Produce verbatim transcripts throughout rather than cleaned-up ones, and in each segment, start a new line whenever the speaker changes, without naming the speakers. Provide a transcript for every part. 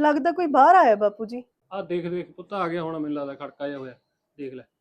लगता कोई बाहर आया बापू जी।
आ देख देख पुੱਤ आ गया होना, ਮੈਨੂੰ लगਦਾ ਖੜਕਾ ਜਿਹਾ ਹੋਇਆ। ਦੇਖ ਲੈ।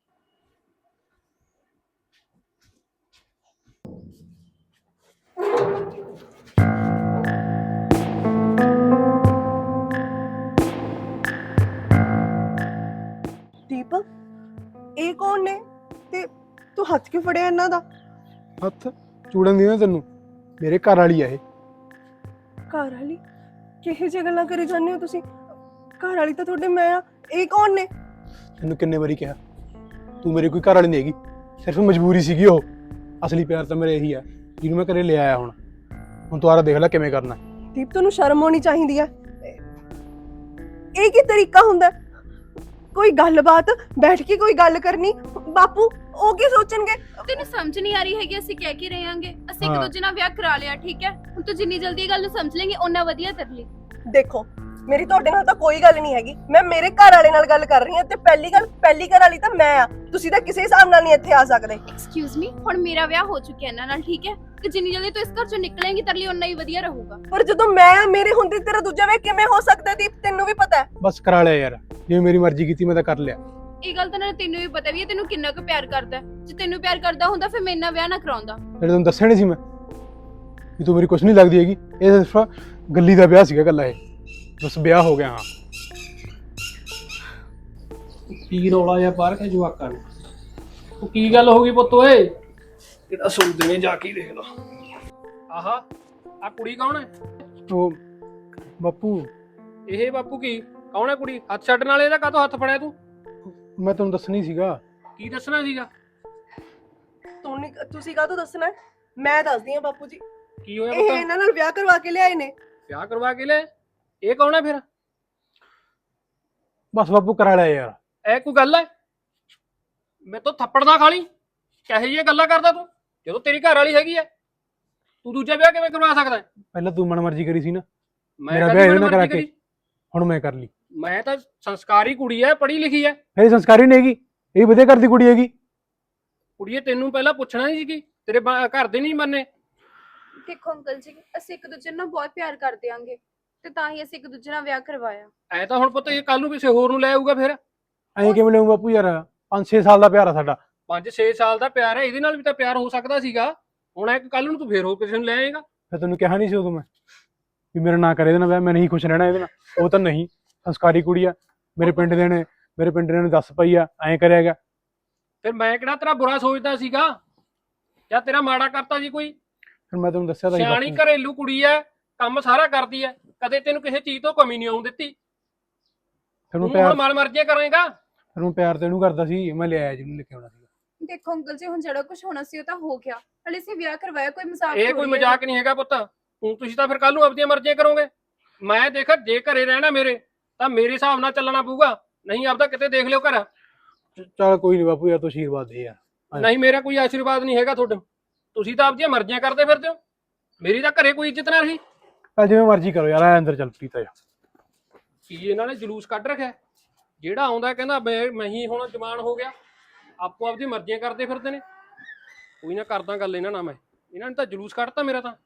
दीपक ਇਹ ਕੌਣ ਨੇ ਤੇ ਤੂੰ ਹੱਥ ਕਿਉਂ ਫੜਿਆ ਇਹਨਾਂ ਦਾ?
ਹੱਥ ਚੂੜਨ ਦੀ ਨਾ ਤੈਨੂੰ, ਮੇਰੇ ਘਰ ਵਾਲੀ ਆ ਇਹ।
ਘਰ ਵਾਲੀ? ਕਿਹੋ ਜਿਹੀ ਗੱਲਾਂ ਕਰੀ ਜਾਂਦੇ ਹੋ ਤੁਸੀਂ? ਘਰ ਵਾਲੀ ਤਾਂ ਤੁਹਾਡੇ ਮੈਂ ਆ, ਇਹ ਕੌਣ ਨੇ?
ਤੈਨੂੰ ਕਿੰਨੇ ਵਾਰੀ ਕਿਹਾ ਤੂੰ ਮੇਰੀ ਕੋਈ ਘਰ ਵਾਲੀ ਨਹੀਂ ਹੈਗੀ, ਸਿਰਫ ਮਜਬੂਰੀ ਸੀਗੀ ਉਹ। ਅਸਲੀ ਪਿਆਰ ਤਾਂ ਮੇਰਾ ਇਹੀ ਆ ਜਿਹਨੂੰ ਮੈਂ ਘਰੇ ਲੈ ਆਇਆ। ਹੁਣ ਹੁਣ ਦੁਬਾਰਾ ਦੇਖ ਲੈ ਕਿਵੇਂ ਕਰਨਾ।
ਦੀਪ ਤੁਹਾਨੂੰ ਸ਼ਰਮ ਆਉਣੀ ਚਾਹੀਦੀ ਹੈ। ਇਹ ਕੀ ਤਰੀਕਾ ਹੁੰਦਾ? ਕੋਈ ਗੱਲਬਾਤ ਬੈਠ ਕੇ ਕੋਈ ਗੱਲ ਕਰਨੀ, ਬਾਪੂ ਉਹ ਕੀ ਸੋਚਣਗੇ?
ਤੈਨੂੰ ਸਮਝ ਨਹੀਂ ਆ ਰਹੀ ਹੈਗੀ ਅਸੀਂ ਕਹਿ ਕੇ ਰਹੇ ਆਂਗੇ, ਅਸੀਂ ਇੱਕ
ਹਾਂ।
ਦੂਜੇ ਨਾਲ ਵਿਆਹ ਕਰਾ ਲਿਆ, ਠੀਕ ਹੈ? ਹੁਣ ਤੂੰ ਜਿੰਨੀ ਜਲਦੀ ਇਹ ਗੱਲ ਨੂੰ ਸਮਝ ਲੇਂਗੀ ਓਨਾ ਵਧੀਆ ਤੇਰੇ ਲਈ।
ਦੇਖੋ ਮੇਰੀ ਤੁਹਾਡੇ ਨਾਲ ਤਾਂ ਕੋਈ ਗੱਲ ਨਹੀਂ ਹੈਗੀ, ਮੈਂ ਮੇਰੇ ਘਰ ਵਾਲੇ ਨਾਲ ਗੱਲ ਕਰ ਰਹੀ ਹਾਂ ਤੇ ਪਹਿਲੀ ਗੱਲ ਪਹਿਲੀ ਘਰ ਵਾਲੀ ਤਾਂ ਮੈਂ ਆ, ਤੁਸੀਂ ਤਾਂ ਕਿਸੇ ਹਿਸਾਬ ਨਾਲ ਨਹੀਂ ਇੱਥੇ ਆ ਸਕਦੇ।
ਐਕਸਕਿਊਜ਼ ਮੀ, ਹੁਣ ਮੇਰਾ ਵਿਆਹ ਹੋ ਚੁੱਕਿਆ ਇਹਨਾਂ ਨਾਲ, ਠੀਕ ਹੈ? ਤੇ ਜਿੰਨੀ ਜਲਦੀ ਤੂੰ ਇਸ ਘਰ ਚੋਂ ਨਿਕਲੇਂਗੀ ਤੇਰੇ ਲਈ ਓਨਾ ਹੀ ਵਧੀਆ ਰਹੂਗਾ।
ਪਰ ਜਦੋਂ ਮੈਂ ਆ, ਮੇਰੇ ਹੁੰਦੇ ਤੇਰਾ ਦੂਜਾ ਵਿਆਹ ਕਿਵੇਂ ਹੋ ਸਕਦਾ ਦੀਪ? ਤੈਨੂੰ ਵੀ ਪਤਾ ਹੈ।
ਬਸ ਕਰਾ ਲਿਆ ਯਾਰ, ਜਿਵੇਂ ਮੇਰੀ ਮਰਜ਼ੀ ਕੀਤੀ ਮੈਂ ਤਾਂ ਕਰ ਲਿਆ।
ਇਹ ਗੱਲ ਤਾਂ ਨਾਲੇ ਤੈਨੂੰ ਵੀ ਪਤਾ ਵੀ ਹੈ ਤੈਨੂੰ ਕਿੰਨਾ ਕੁ ਪਿਆਰ ਕਰਦਾ ਹੈ। ਜੇ ਤੈਨੂੰ ਪਿਆਰ ਕਰਦਾ ਹੁੰਦਾ ਫਿਰ ਮੇਰੇ ਨਾਲ ਵਿਆਹ ਨਾ ਕਰਾਉਂਦਾ।
ਜਿਹੜੇ ਤੈਨੂੰ ਦੱਸਿਆ ਨਹੀਂ ਸੀ ਮੈਂ ਵੀ ਤੂੰ ਮੇਰੀ ਕੁਛ ਨਹੀਂ ਲੱਗਦੀ ਹੈਗੀ। ਇਹ ਸਿਰਫ ਗੱਲੀ ਦਾ ਵਿਆਹ ਸੀਗਾ ਗੱਲਾ, ਇਹ ਬਸ ਵਿਆਹ ਹੋ ਗਿਆ। ਹਾਂ
ਕੀ ਰੌਲਾ ਜਿਹਾ ਬਾਹਰ ਕੇ ਜਵਾਕਾਂ ਨੇ? ਉਹ ਕੀ ਗੱਲ ਹੋ ਗਈ ਪੁੱਤ ਓਏ? ਕਿਹੜਾ ਸੁਣਦੇ ਨੇ, ਜਾ ਕੇ ਦੇਖ ਲਾ। ਆਹਾ ਆ ਕੁੜੀ ਕੌਣ ਹੈ?
ਉਹ ਬਾਪੂ,
ਇਹ ਬਾਪੂ ਕੀ ਕੌਣ ਹੈ? ਕੁੜੀ ਹੱਥ ਛੱਡਣ ਵਾਲੇ ਇਹਦਾ ਕਾਹਤੋਂ ਹੱਥ ਫੜਿਆ ਤੂੰ?
ਮੈਂ ਤੁਹਾਨੂੰ ਦੱਸਣੀ ਸੀਗਾ।
ਕੀ ਦੱਸਣਾ ਸੀਗਾ?
ਤੂੰ ਨਹੀਂ, ਤੁਸੀਂ ਕਾਹਤੋਂ ਦੱਸਣਾ ਹੈ? ਮੈਂ ਦੱਸਦੀ ਹਾਂ ਬਾਪੂ ਜੀ।
ਕੀ ਹੋਇਆ
ਇਹ
ਪੁੱਤ?
ਇਹਨਾਂ ਨਾਲ ਵਿਆਹ ਕਰਵਾ ਕੇ ਲਿਆਏ ਨੇ।
ਵਿਆਹ ਕਰਵਾ ਕੇ ਲੈ? ਇਹ ਕੌਣ ਹੈ ਫਿਰ?
ਬਸ ਬਾਪੂ ਕਰਾ ਲਿਆ ਯਾਰ।
ਇਹ ਕੋਈ ਗੱਲ ਹੈ? ਮੈਂ ਤਾਂ ਥੱਪੜ ਨਾ ਖਾ ਲਈ। ਕਿਹੋ ਜਿਹੀਆਂ ਗੱਲਾਂ ਕਰਦਾ ਤੂੰ? ਜਦੋਂ ਤੇਰੀ ਘਰ ਵਾਲੀ ਹੈਗੀ ਹੈ ਤੂੰ ਦੂਜਾ ਵਿਆਹ ਕਿਵੇਂ ਕਰਵਾ ਸਕਦਾ ਹੈ?
ਪਹਿਲਾਂ ਤੂੰ ਮਨ ਮਰਜ਼ੀ ਕਰੀ ਸੀ ਨਾ,
ਮੈਂ
ਮੇਰਾ
ਕਦੀ
ਵਿਆਹ ਇਹਦੇ ਨਾਲ
ਮਨਮਰਜ਼ੀ
ਕਰਾ ਕੇ
ਕਰੀ?
ਹੁਣ ਮੈਂ ਕਰ ਲਈ।
ਮੈਂ ਤਾਂ ਸੰਸਕਾਰੀ ਕੁੜੀ ਹੈ, ਪੜ੍ਹੀ ਲਿਖੀ ਹੈ।
ਇਹ ਸੰਸਕਾਰੀ ਨਹੀਂ ਹੈਗੀ, ਇਹ ਵਧੀਆ ਘਰ ਦੀ ਕੁੜੀ ਹੈਗੀ।
ਕੁੜੀਏ ਤੈਨੂੰ ਪਹਿਲਾਂ ਪੁੱਛਣਾ ਨਹੀਂ ਸੀ ਕਿ ਤੇਰੇ ਬਾ- ਘਰ ਦੇ ਨਹੀਂ ਮੰਨੇ?
ਦੇਖੋ ਅੰਕਲ ਜੀ, ਅਸੀਂ ਇੱਕ ਦੂਜੇ ਨੂੰ ਬਹੁਤ ਪਿਆਰ ਕਰਦੇ ਆਂਗੇ ਤੇ ਤਾਂ ਹੀ ਅਸੀਂ ਇੱਕ ਦੂਜੇ ਨਾਲ ਵਿਆਹ ਕਰਵਾਇਆ।
ਐ ਤਾਂ ਹੁਣ ਪੁੱਤ ਇਹ ਕੱਲ ਨੂੰ ਕਿਸੇ ਹੋਰ ਨੂੰ ਲੈ ਆਊਗਾ ਫਿਰ।
ਐਂ ਕਿਵੇਂ ਲਿਆਉਂ ਬਾਪੂ ਯਾਰ, ਪੰਜ ਛੇ ਸਾਲ ਦਾ ਪਿਆਰ ਆ ਸਾਡਾ।
ਪੰਜ ਛੇ ਸਾਲ ਦਾ ਪਿਆਰ ਹੈ, ਇਹਦੇ ਨਾਲ ਵੀ ਤਾਂ ਪਿਆਰ ਹੋ ਸਕਦਾ ਸੀਗਾ। ਹੁਣ ਐ ਕੱਲ ਨੂੰ ਤੂੰ ਫੇਰ ਹੋਰ ਕਿਸੇ ਨੂੰ ਲੈ ਆਏਗਾ।
ਫਿਰ ਤੈਨੂੰ ਕਿਹਾ ਨਹੀਂ ਸੀ ਉਦੋਂ ਮੈਂ ਵੀ ਮੇਰਾ ਨਾਂ ਕਰੇ ਇਹਦੇ ਨਾਲ ਵਿਆਹ, ਮੈਂ ਨਹੀਂ ਖੁਸ਼ ਰਹਿਣਾ ਇਹਦੇ ਨਾਲ। ਉਹ ਤਾਂ ਨਹੀਂ, ਸੰਸਕਾਰੀ ਕੁੜੀ ਆ, ਮੇਰੇ ਪਿੰਡ ਦੇ ਨੇ ਮੇਰੇ ਪਿੰਡ ਦੇ ਨੇ ਦੱਸ ਪਈ ਆ ਐਂ ਕਰਿਆ ਗਿਆ।
ਫਿਰ ਮੈਂ ਕਿਹੜਾ ਤੇਰਾ ਬੁਰਾ ਸੋਚਦਾ ਸੀਗਾ ਜਾਂ ਤੇਰਾ ਮਾੜਾ ਕਰਤਾ ਸੀ ਕੋਈ?
ਫਿਰ ਮੈਂ ਤੈਨੂੰ ਦੱਸਿਆ ਤਾਂ ਸੀ
ਸਿਆਣੀ
ਬਾਪੂ।
ਘਰੇਲੂ ਕੁੜੀ ਐ, ਕੰਮ ਸਾਰਾ ਕਰਦੀ ਐ, ਕਦੇ ਤੈਨੂੰ ਕਿਸੇ ਚੀਜ਼ ਤੋਂ ਕਮੀ ਨਹੀਂ ਆਉਣ ਦਿੱਤੀ।
ਫਿਰ ਮੈਂ
ਤੂੰ
ਪਿਆਰ
ਹੁਣ ਮਨ ਮਰਜ਼ੀਆਂ ਕਰੇਗਾ।
ਫਿਰ ਮੈਂ ਪਿਆਰ ਤੈਨੂੰ ਕਰਦਾ ਸੀ, ਮੈਂ ਲਿਆਇਆ ਜਿਹਨੂੰ ਲੈ ਕੇ ਆਉਣਾ ਸੀਗਾ।
ਦੇਖੋ ਅੰਕਲ ਜੀ, ਹੁਣ ਜਿਹੜਾ ਕੁਝ ਹੋਣਾ ਸੀ ਉਹ ਤਾਂ ਹੋ ਗਿਆ। ਹਲੇ ਅਸੀਂ ਵਿਆਹ ਕਰਵਾਇਆ, ਕੋਈ ਮਜ਼ਾਕ
ਇਹ ਕੋਈ ਮਜ਼ਾਕ ਨਹੀਂ ਹੈਗਾ ਪੁੱਤ। ਹੁਣ ਤੁਸੀਂ ਤਾਂ ਫਿਰ ਕੱਲ ਨੂੰ ਆਪਣੀਆਂ ਮਰਜ਼ੀਆਂ ਕਰੋਗੇ। ਮੈਂ ਦੇਖ, ਜੇ ਘਰੇ ਰਹਿਣਾ ਮੇਰੇ ਤਾਂ ਮੇਰੇ ਹਿਸਾਬ ਨਾਲ ਚੱਲਣਾ ਪਊਗਾ, ਨਹੀਂ ਆਪਦਾ ਕਿਤੇ ਦੇਖ ਲਿਓ ਘਰ।
ਚੱਲ ਕੋਈ ਨਹੀਂ ਬਾਪੂ ਯਾਰ, ਤੂੰ ਆਸ਼ੀਰਵਾਦ ਦੇ ਯਾਰ।
ਨਹੀਂ, ਮੇਰਾ ਕੋਈ ਆਸ਼ੀਰਵਾਦ ਨਹੀਂ ਹੈਗਾ ਤੁਹਾਡੇ। ਤੁਸੀਂ ਤਾਂ ਆਪਦੀਆਂ ਮਰਜ਼ੀਆਂ ਕਰਦੇ ਫਿਰਦੇ ਹੋ, ਮੇਰੀ ਤਾਂ ਘਰੇ ਕੋਈ ਇੱਜ਼ਤ ਨਾ ਰਹੀ।
ਚੱਲ ਜਿਵੇਂ ਮਰਜ਼ੀ ਕਰੋ ਯਾਰ, ਆ ਅੰਦਰ ਚੱਲ ਪੀਤਾ ਜਾ।
ਕੀ ਇਹਨਾਂ ਨੇ ਜਲੂਸ ਕੱਢ ਰੱਖਿਆ? ਜਿਹੜਾ ਆਉਂਦਾ ਕਹਿੰਦਾ ਮੈਂ ਮੈਂ ਹੀ ਹੁਣ ਜਵਾਨ ਹੋ ਗਿਆ, ਆਪੋ ਆਪਦੀ ਮਰਜ਼ੀਆਂ ਕਰਦੇ ਫਿਰਦੇ ਨੇ। ਕੋਈ ਨਾ ਕਰਦਾ ਗੱਲ ਇਹਨਾਂ ਨਾਲ ਮੈਂ, ਇਹਨਾਂ ਨੇ ਤਾਂ ਜਲੂਸ ਕੱਢਤਾ ਮੇਰਾ ਤਾਂ।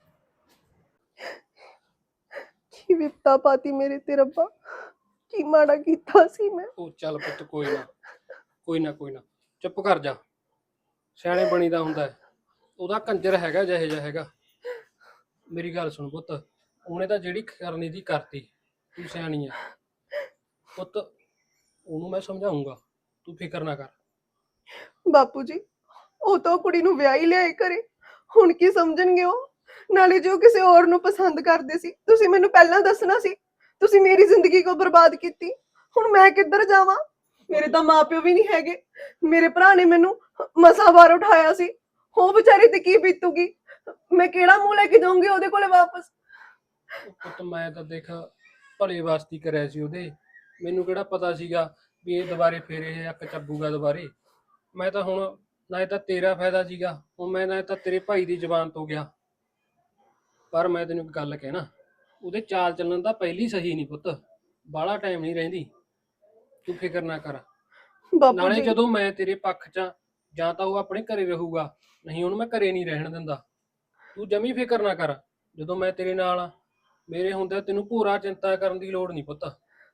ਕੀ ਵਿਪਤਾ ਪਾਤੀ ਮੇਰੇ ਤੇ ਰੱਬਾ, ਕੀ ਮਾੜਾ ਕੀਤਾ ਸੀ ਮੈਂ।
ਉਹ ਚੱਲ ਪੁੱਤ, ਕੋਈ ਨਾ ਕੋਈ ਨਾ ਕੋਈ ਨਾ, ਚੁੱਪ ਕਰ ਜਾ। ਸਿਆਣੇ ਬਣੀ ਦਾ ਹੁੰਦਾ ਹੈ। ਉਹਦਾ ਕੰਜਰ ਹੈਗਾ ਜਿਹੇ ਜਿਹਾ ਹੈਗਾ। ਮੇਰੀ ਗੱਲ ਸੁਣ ਪੁੱਤ, ਉਹਨੇ ਤਾਂ ਜਿਹੜੀ ਕਰਨੀ ਦੀ ਕਰਤੀ, ਤੂੰ ਸਿਆਣੀ ਹੈ ਪੁੱਤ, ਉਹਨੂੰ ਮੈਂ ਸਮਝਾਉਂਗਾ, ਤੂੰ ਫਿਕਰ ਨਾ ਕਰ।
ਬਾਪੂ ਜੀ ਉਹ ਤਾਂ ਕੁੜੀ ਨੂੰ ਵਿਆਹ ਹੀ ਲਿਆਏ ਘਰੇ, ਹੁਣ ਕੀ ਸਮਝਣਗੇ ਉਹ? ਨਾਲੇ ਜੋ ਕਿਸੇ ਹੋਰ ਨੂੰ ਪਸੰਦ ਕਰਦੇ ਸੀ, ਤੁਸੀਂ ਮੈਨੂੰ ਪਹਿਲਾਂ ਦੱਸਣਾ ਸੀ। ਤੁਸੀਂ ਮੇਰੀ ਜ਼ਿੰਦਗੀ ਕੋ ਬਰਬਾਦ ਕੀਤੀ। ਹੁਣ ਮੈਂ ਕਿੱਧਰ ਜਾਵਾਂ? ਮੇਰੇ ਤਾਂ ਮਾਪਿਓ ਵੀ ਨਹੀਂ ਹੈਗੇ। ਮੇਰੇ ਭਰਾ ਨੇ ਮੈਨੂੰ ਮਸਾਂ ਬਾਹਰ ਉਠਾਇਆ ਸੀ, ਉਹ ਵਿਚਾਰੀ ਤੇ ਕੀ ਬੀਤੂਗੀ? ਮੈਂ ਕਿਹੜਾ ਮੂੰਹ ਲੈ ਕੇ ਜਾਊਂਗੀ ਉਹਦੇ ਕੋਲੇ ਵਾਪਸ?
ਪੁੱਤ ਮੈਂ ਤਾਂ ਦੇਖ ਭਲੇ ਵਾਸਤੇ ਕਰਿਆ ਸੀ ਉਹਦੇ, ਮੈਨੂੰ ਕਿਹੜਾ ਪਤਾ ਸੀਗਾ ਵੀ ਇਹ ਦੁਬਾਰੇ ਫੇਰ ਇਹ ਅੱਕ ਚੱਬੂਗਾ ਦੁਬਾਰੇ। ਮੈਂ ਤਾਂ ਹੁਣ ਨਾ ਤਾਂ ਤੇਰਾ ਫਾਇਦਾ ਸੀਗਾ, ਹੁਣ ਮੈਂ ਨਾ ਤਾਂ ਤੇਰੇ ਭਾਈ ਦੀ ਜ਼ਬਾਨ ਤੋਂ ਗਿਆ। ਪਰ ਮੈਂ ਤੈਨੂੰ ਇੱਕ ਗੱਲ ਕਹਿਣਾ, ਉਹਦੇ ਚਾਲ ਚੱਲਣ ਦਾ ਪਹਿਲੀ ਸਹੀ ਨਹੀਂ ਪੁੱਤ, ਬਾਹਲਾ ਟਾਈਮ ਨਹੀਂ ਰਹਿੰਦੀ। ਤੂੰ ਫਿਕਰ ਨਾ ਕਰ।
ਬਾਪੂ
ਨਾਲੇ
ਜੀ
ਜਦੋਂ ਮੈਂ ਤੇਰੇ ਪੱਖ 'ਚ ਜਾਂ ਤਾਂ ਉਹ ਆਪਣੇ ਘਰੇ ਰਹੂਗਾ, ਨਹੀਂ ਉਹਨੂੰ ਮੈਂ ਘਰੇ ਨਹੀਂ ਰਹਿਣ ਦਿੰਦਾ। ਤੂੰ ਜਮੀ ਫਿਕਰ ਨਾ ਕਰ, ਜਦੋਂ ਮੈਂ ਤੇਰੇ ਨਾਲ ਆ ਮੇਰੇ ਹੁੰਦਾ ਤੈਨੂੰ ਭੋਰਾ ਚਿੰਤਾ ਕਰਨ ਦੀ ਲੋੜ ਨਹੀਂ ਪੁੱਤ।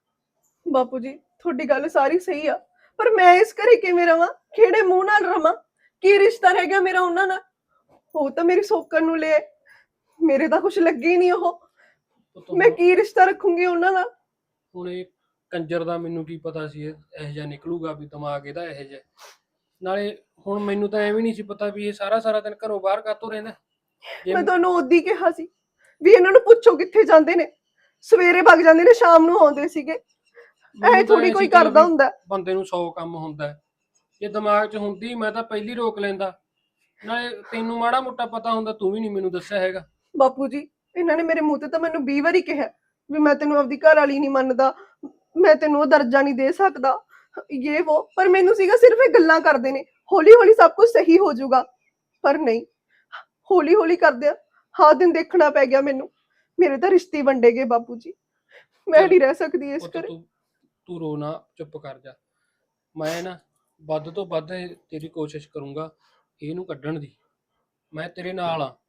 ਬਾਪੂ ਜੀ ਤੁਹਾਡੀ ਗੱਲ ਸਾਰੀ ਸਹੀ ਆ, ਪਰ ਮੈਂ ਇਸ ਘਰੇ ਕਿਵੇਂ ਰਵਾਂ? ਕਿਹੜੇ ਮੂੰਹ ਨਾਲ ਰਵਾਂ? ਕੀ ਰਿਸ਼ਤਾ ਰਹਿ ਗਿਆ ਮੇਰਾ ਉਹਨਾਂ ਨਾਲ? ਉਹ ਤਾਂ ਮੇਰੀ ਸੋਕਣ ਨੂੰ ਲੈ ਆਏ, ਮੇਰੇ ਤਾਂ ਕੁਝ ਲੱਗੇ ਹੀ ਨਹੀਂ ਉਹ।
ਪੁੱਤ
ਮੈਂ
ਹੁਣ-
ਕੀ ਰਿਸ਼ਤਾ ਰੱਖੂੰਗੀ ਉਹਨਾਂ ਨਾਲ?
ਹੁਣ ਇਹ ਕੰਜਰ ਦਾ ਮੈਨੂੰ ਕੀ ਪਤਾ ਸੀ ਇਹ ਇਹੋ ਜਿਹਾ ਨਿਕਲੂਗਾ, ਵੀ ਦਿਮਾਗ ਇਹਦਾ ਇਹੋ ਜਿਹਾ। ਨਾਲੇ ਹੁਣ ਮੈਨੂੰ ਤਾਂ ਐਵੇਂ ਨਹੀਂ ਸੀ ਪਤਾ ਵੀ ਇਹ ਸਾਰਾ ਸਾਰਾ ਦਿਨ ਘਰੋਂ ਬਾਹਰ ਕਾਤੋਂ ਰਹਿੰਦਾ। ਜੇ
ਮੈਂ ਤੁਹਾਨੂੰ ਉਦੋਂ ਹੀ ਕਿਹਾ ਸੀ ਵੀ ਇਹਨਾਂ ਨੂੰ ਪੁੱਛੋ ਕਿੱਥੇ ਜਾਂਦੇ ਨੇ, ਸਵੇਰੇ ਭੱਗ ਜਾਂਦੇ ਨੇ ਸ਼ਾਮ ਨੂੰ ਆਉਂਦੇ ਸੀਗੇ।
ਮੈਨੂੰ
ਐ
ਤਾਂ
ਥੋੜੀ
ਐਂ
ਕੋਈ
ਸੀ ਚੱਲ
ਕਰਦਾ
ਵੀ
ਹੁੰਦਾ।
ਬੰਦੇ ਨੂੰ ਸੌ ਕੰਮ ਹੁੰਦਾ ਹੈ। ਜੇ ਦਿਮਾਗ 'ਚ ਹੁੰਦੀ ਮੈਂ ਤਾਂ ਪਹਿਲੀ ਰੋਕ ਲੈਂਦਾ। ਨਾਲੇ ਤੈਨੂੰ ਮਾੜਾ ਮੋਟਾ ਪਤਾ ਹੁੰਦਾ, ਤੂੰ ਵੀ ਨਹੀਂ ਮੈਨੂੰ ਦੱਸਿਆ ਹੈਗਾ।
ਬਾਪੂ ਜੀ ਇਹਨਾਂ ਨੇ ਮੇਰੇ ਮੂੰਹ ਤੇ ਤਾਂ ਮੈਨੂੰ ਵੀਹ ਵਾਰੀ ਕਿਹਾ ਵੀ ਮੈਂ ਤੈਨੂੰ ਆਪਦੀ ਘਰ ਵਾਲੀ ਨਹੀਂ ਮੰਨਦਾ, ਮੈਂ ਤੈਨੂੰ ਉਹ ਦਰਜਾ ਨਹੀਂ ਦੇ ਸਕਦਾ, ਇਹ ਉਹ। ਪਰ ਮੈਨੂੰ ਸੀਗਾ ਸਿਰਫ ਇਹ ਗੱਲਾਂ ਕਰਦੇ ਨੇ, ਹੌਲੀ ਹੌਲੀ ਸਭ ਕੁਝ ਸਹੀ ਹੋ ਜਾਊਗਾ। ਪਰ ਨਹੀਂ, ਹੌਲੀ ਹੌਲੀ ਕਰਦਿਆਂ ਹਾਂ ਦਿਨ ਦੇਖਣਾ ਪੈ ਗਿਆ ਮੈਨੂੰ। ਮੇਰੇ ਤਾਂ ਰਿਸ਼ਤੇ ਵੰਡੇ ਗਏ ਬਾਪੂ ਜੀ, ਮੈਂ ਨਹੀਂ ਰਹਿ ਸਕਦੀ ਇਸ
ਪੁੱਤ
ਘਰੇ।
ਤੂੰ ਤੂੰ ਰੋ ਨਾ, ਚੁੱਪ ਕਰ ਜਾ। ਮੈਂ ਨਾ ਵੱਧ ਤੋਂ ਵੱਧ ਇਹ ਤੇਰੀ ਕੋਸ਼ਿਸ਼ ਕਰੂੰਗਾ ਇਹਨੂੰ ਕੱਢਣ ਦੀ। ਮੈਂ ਤੇਰੇ ਨਾਲ ਆ।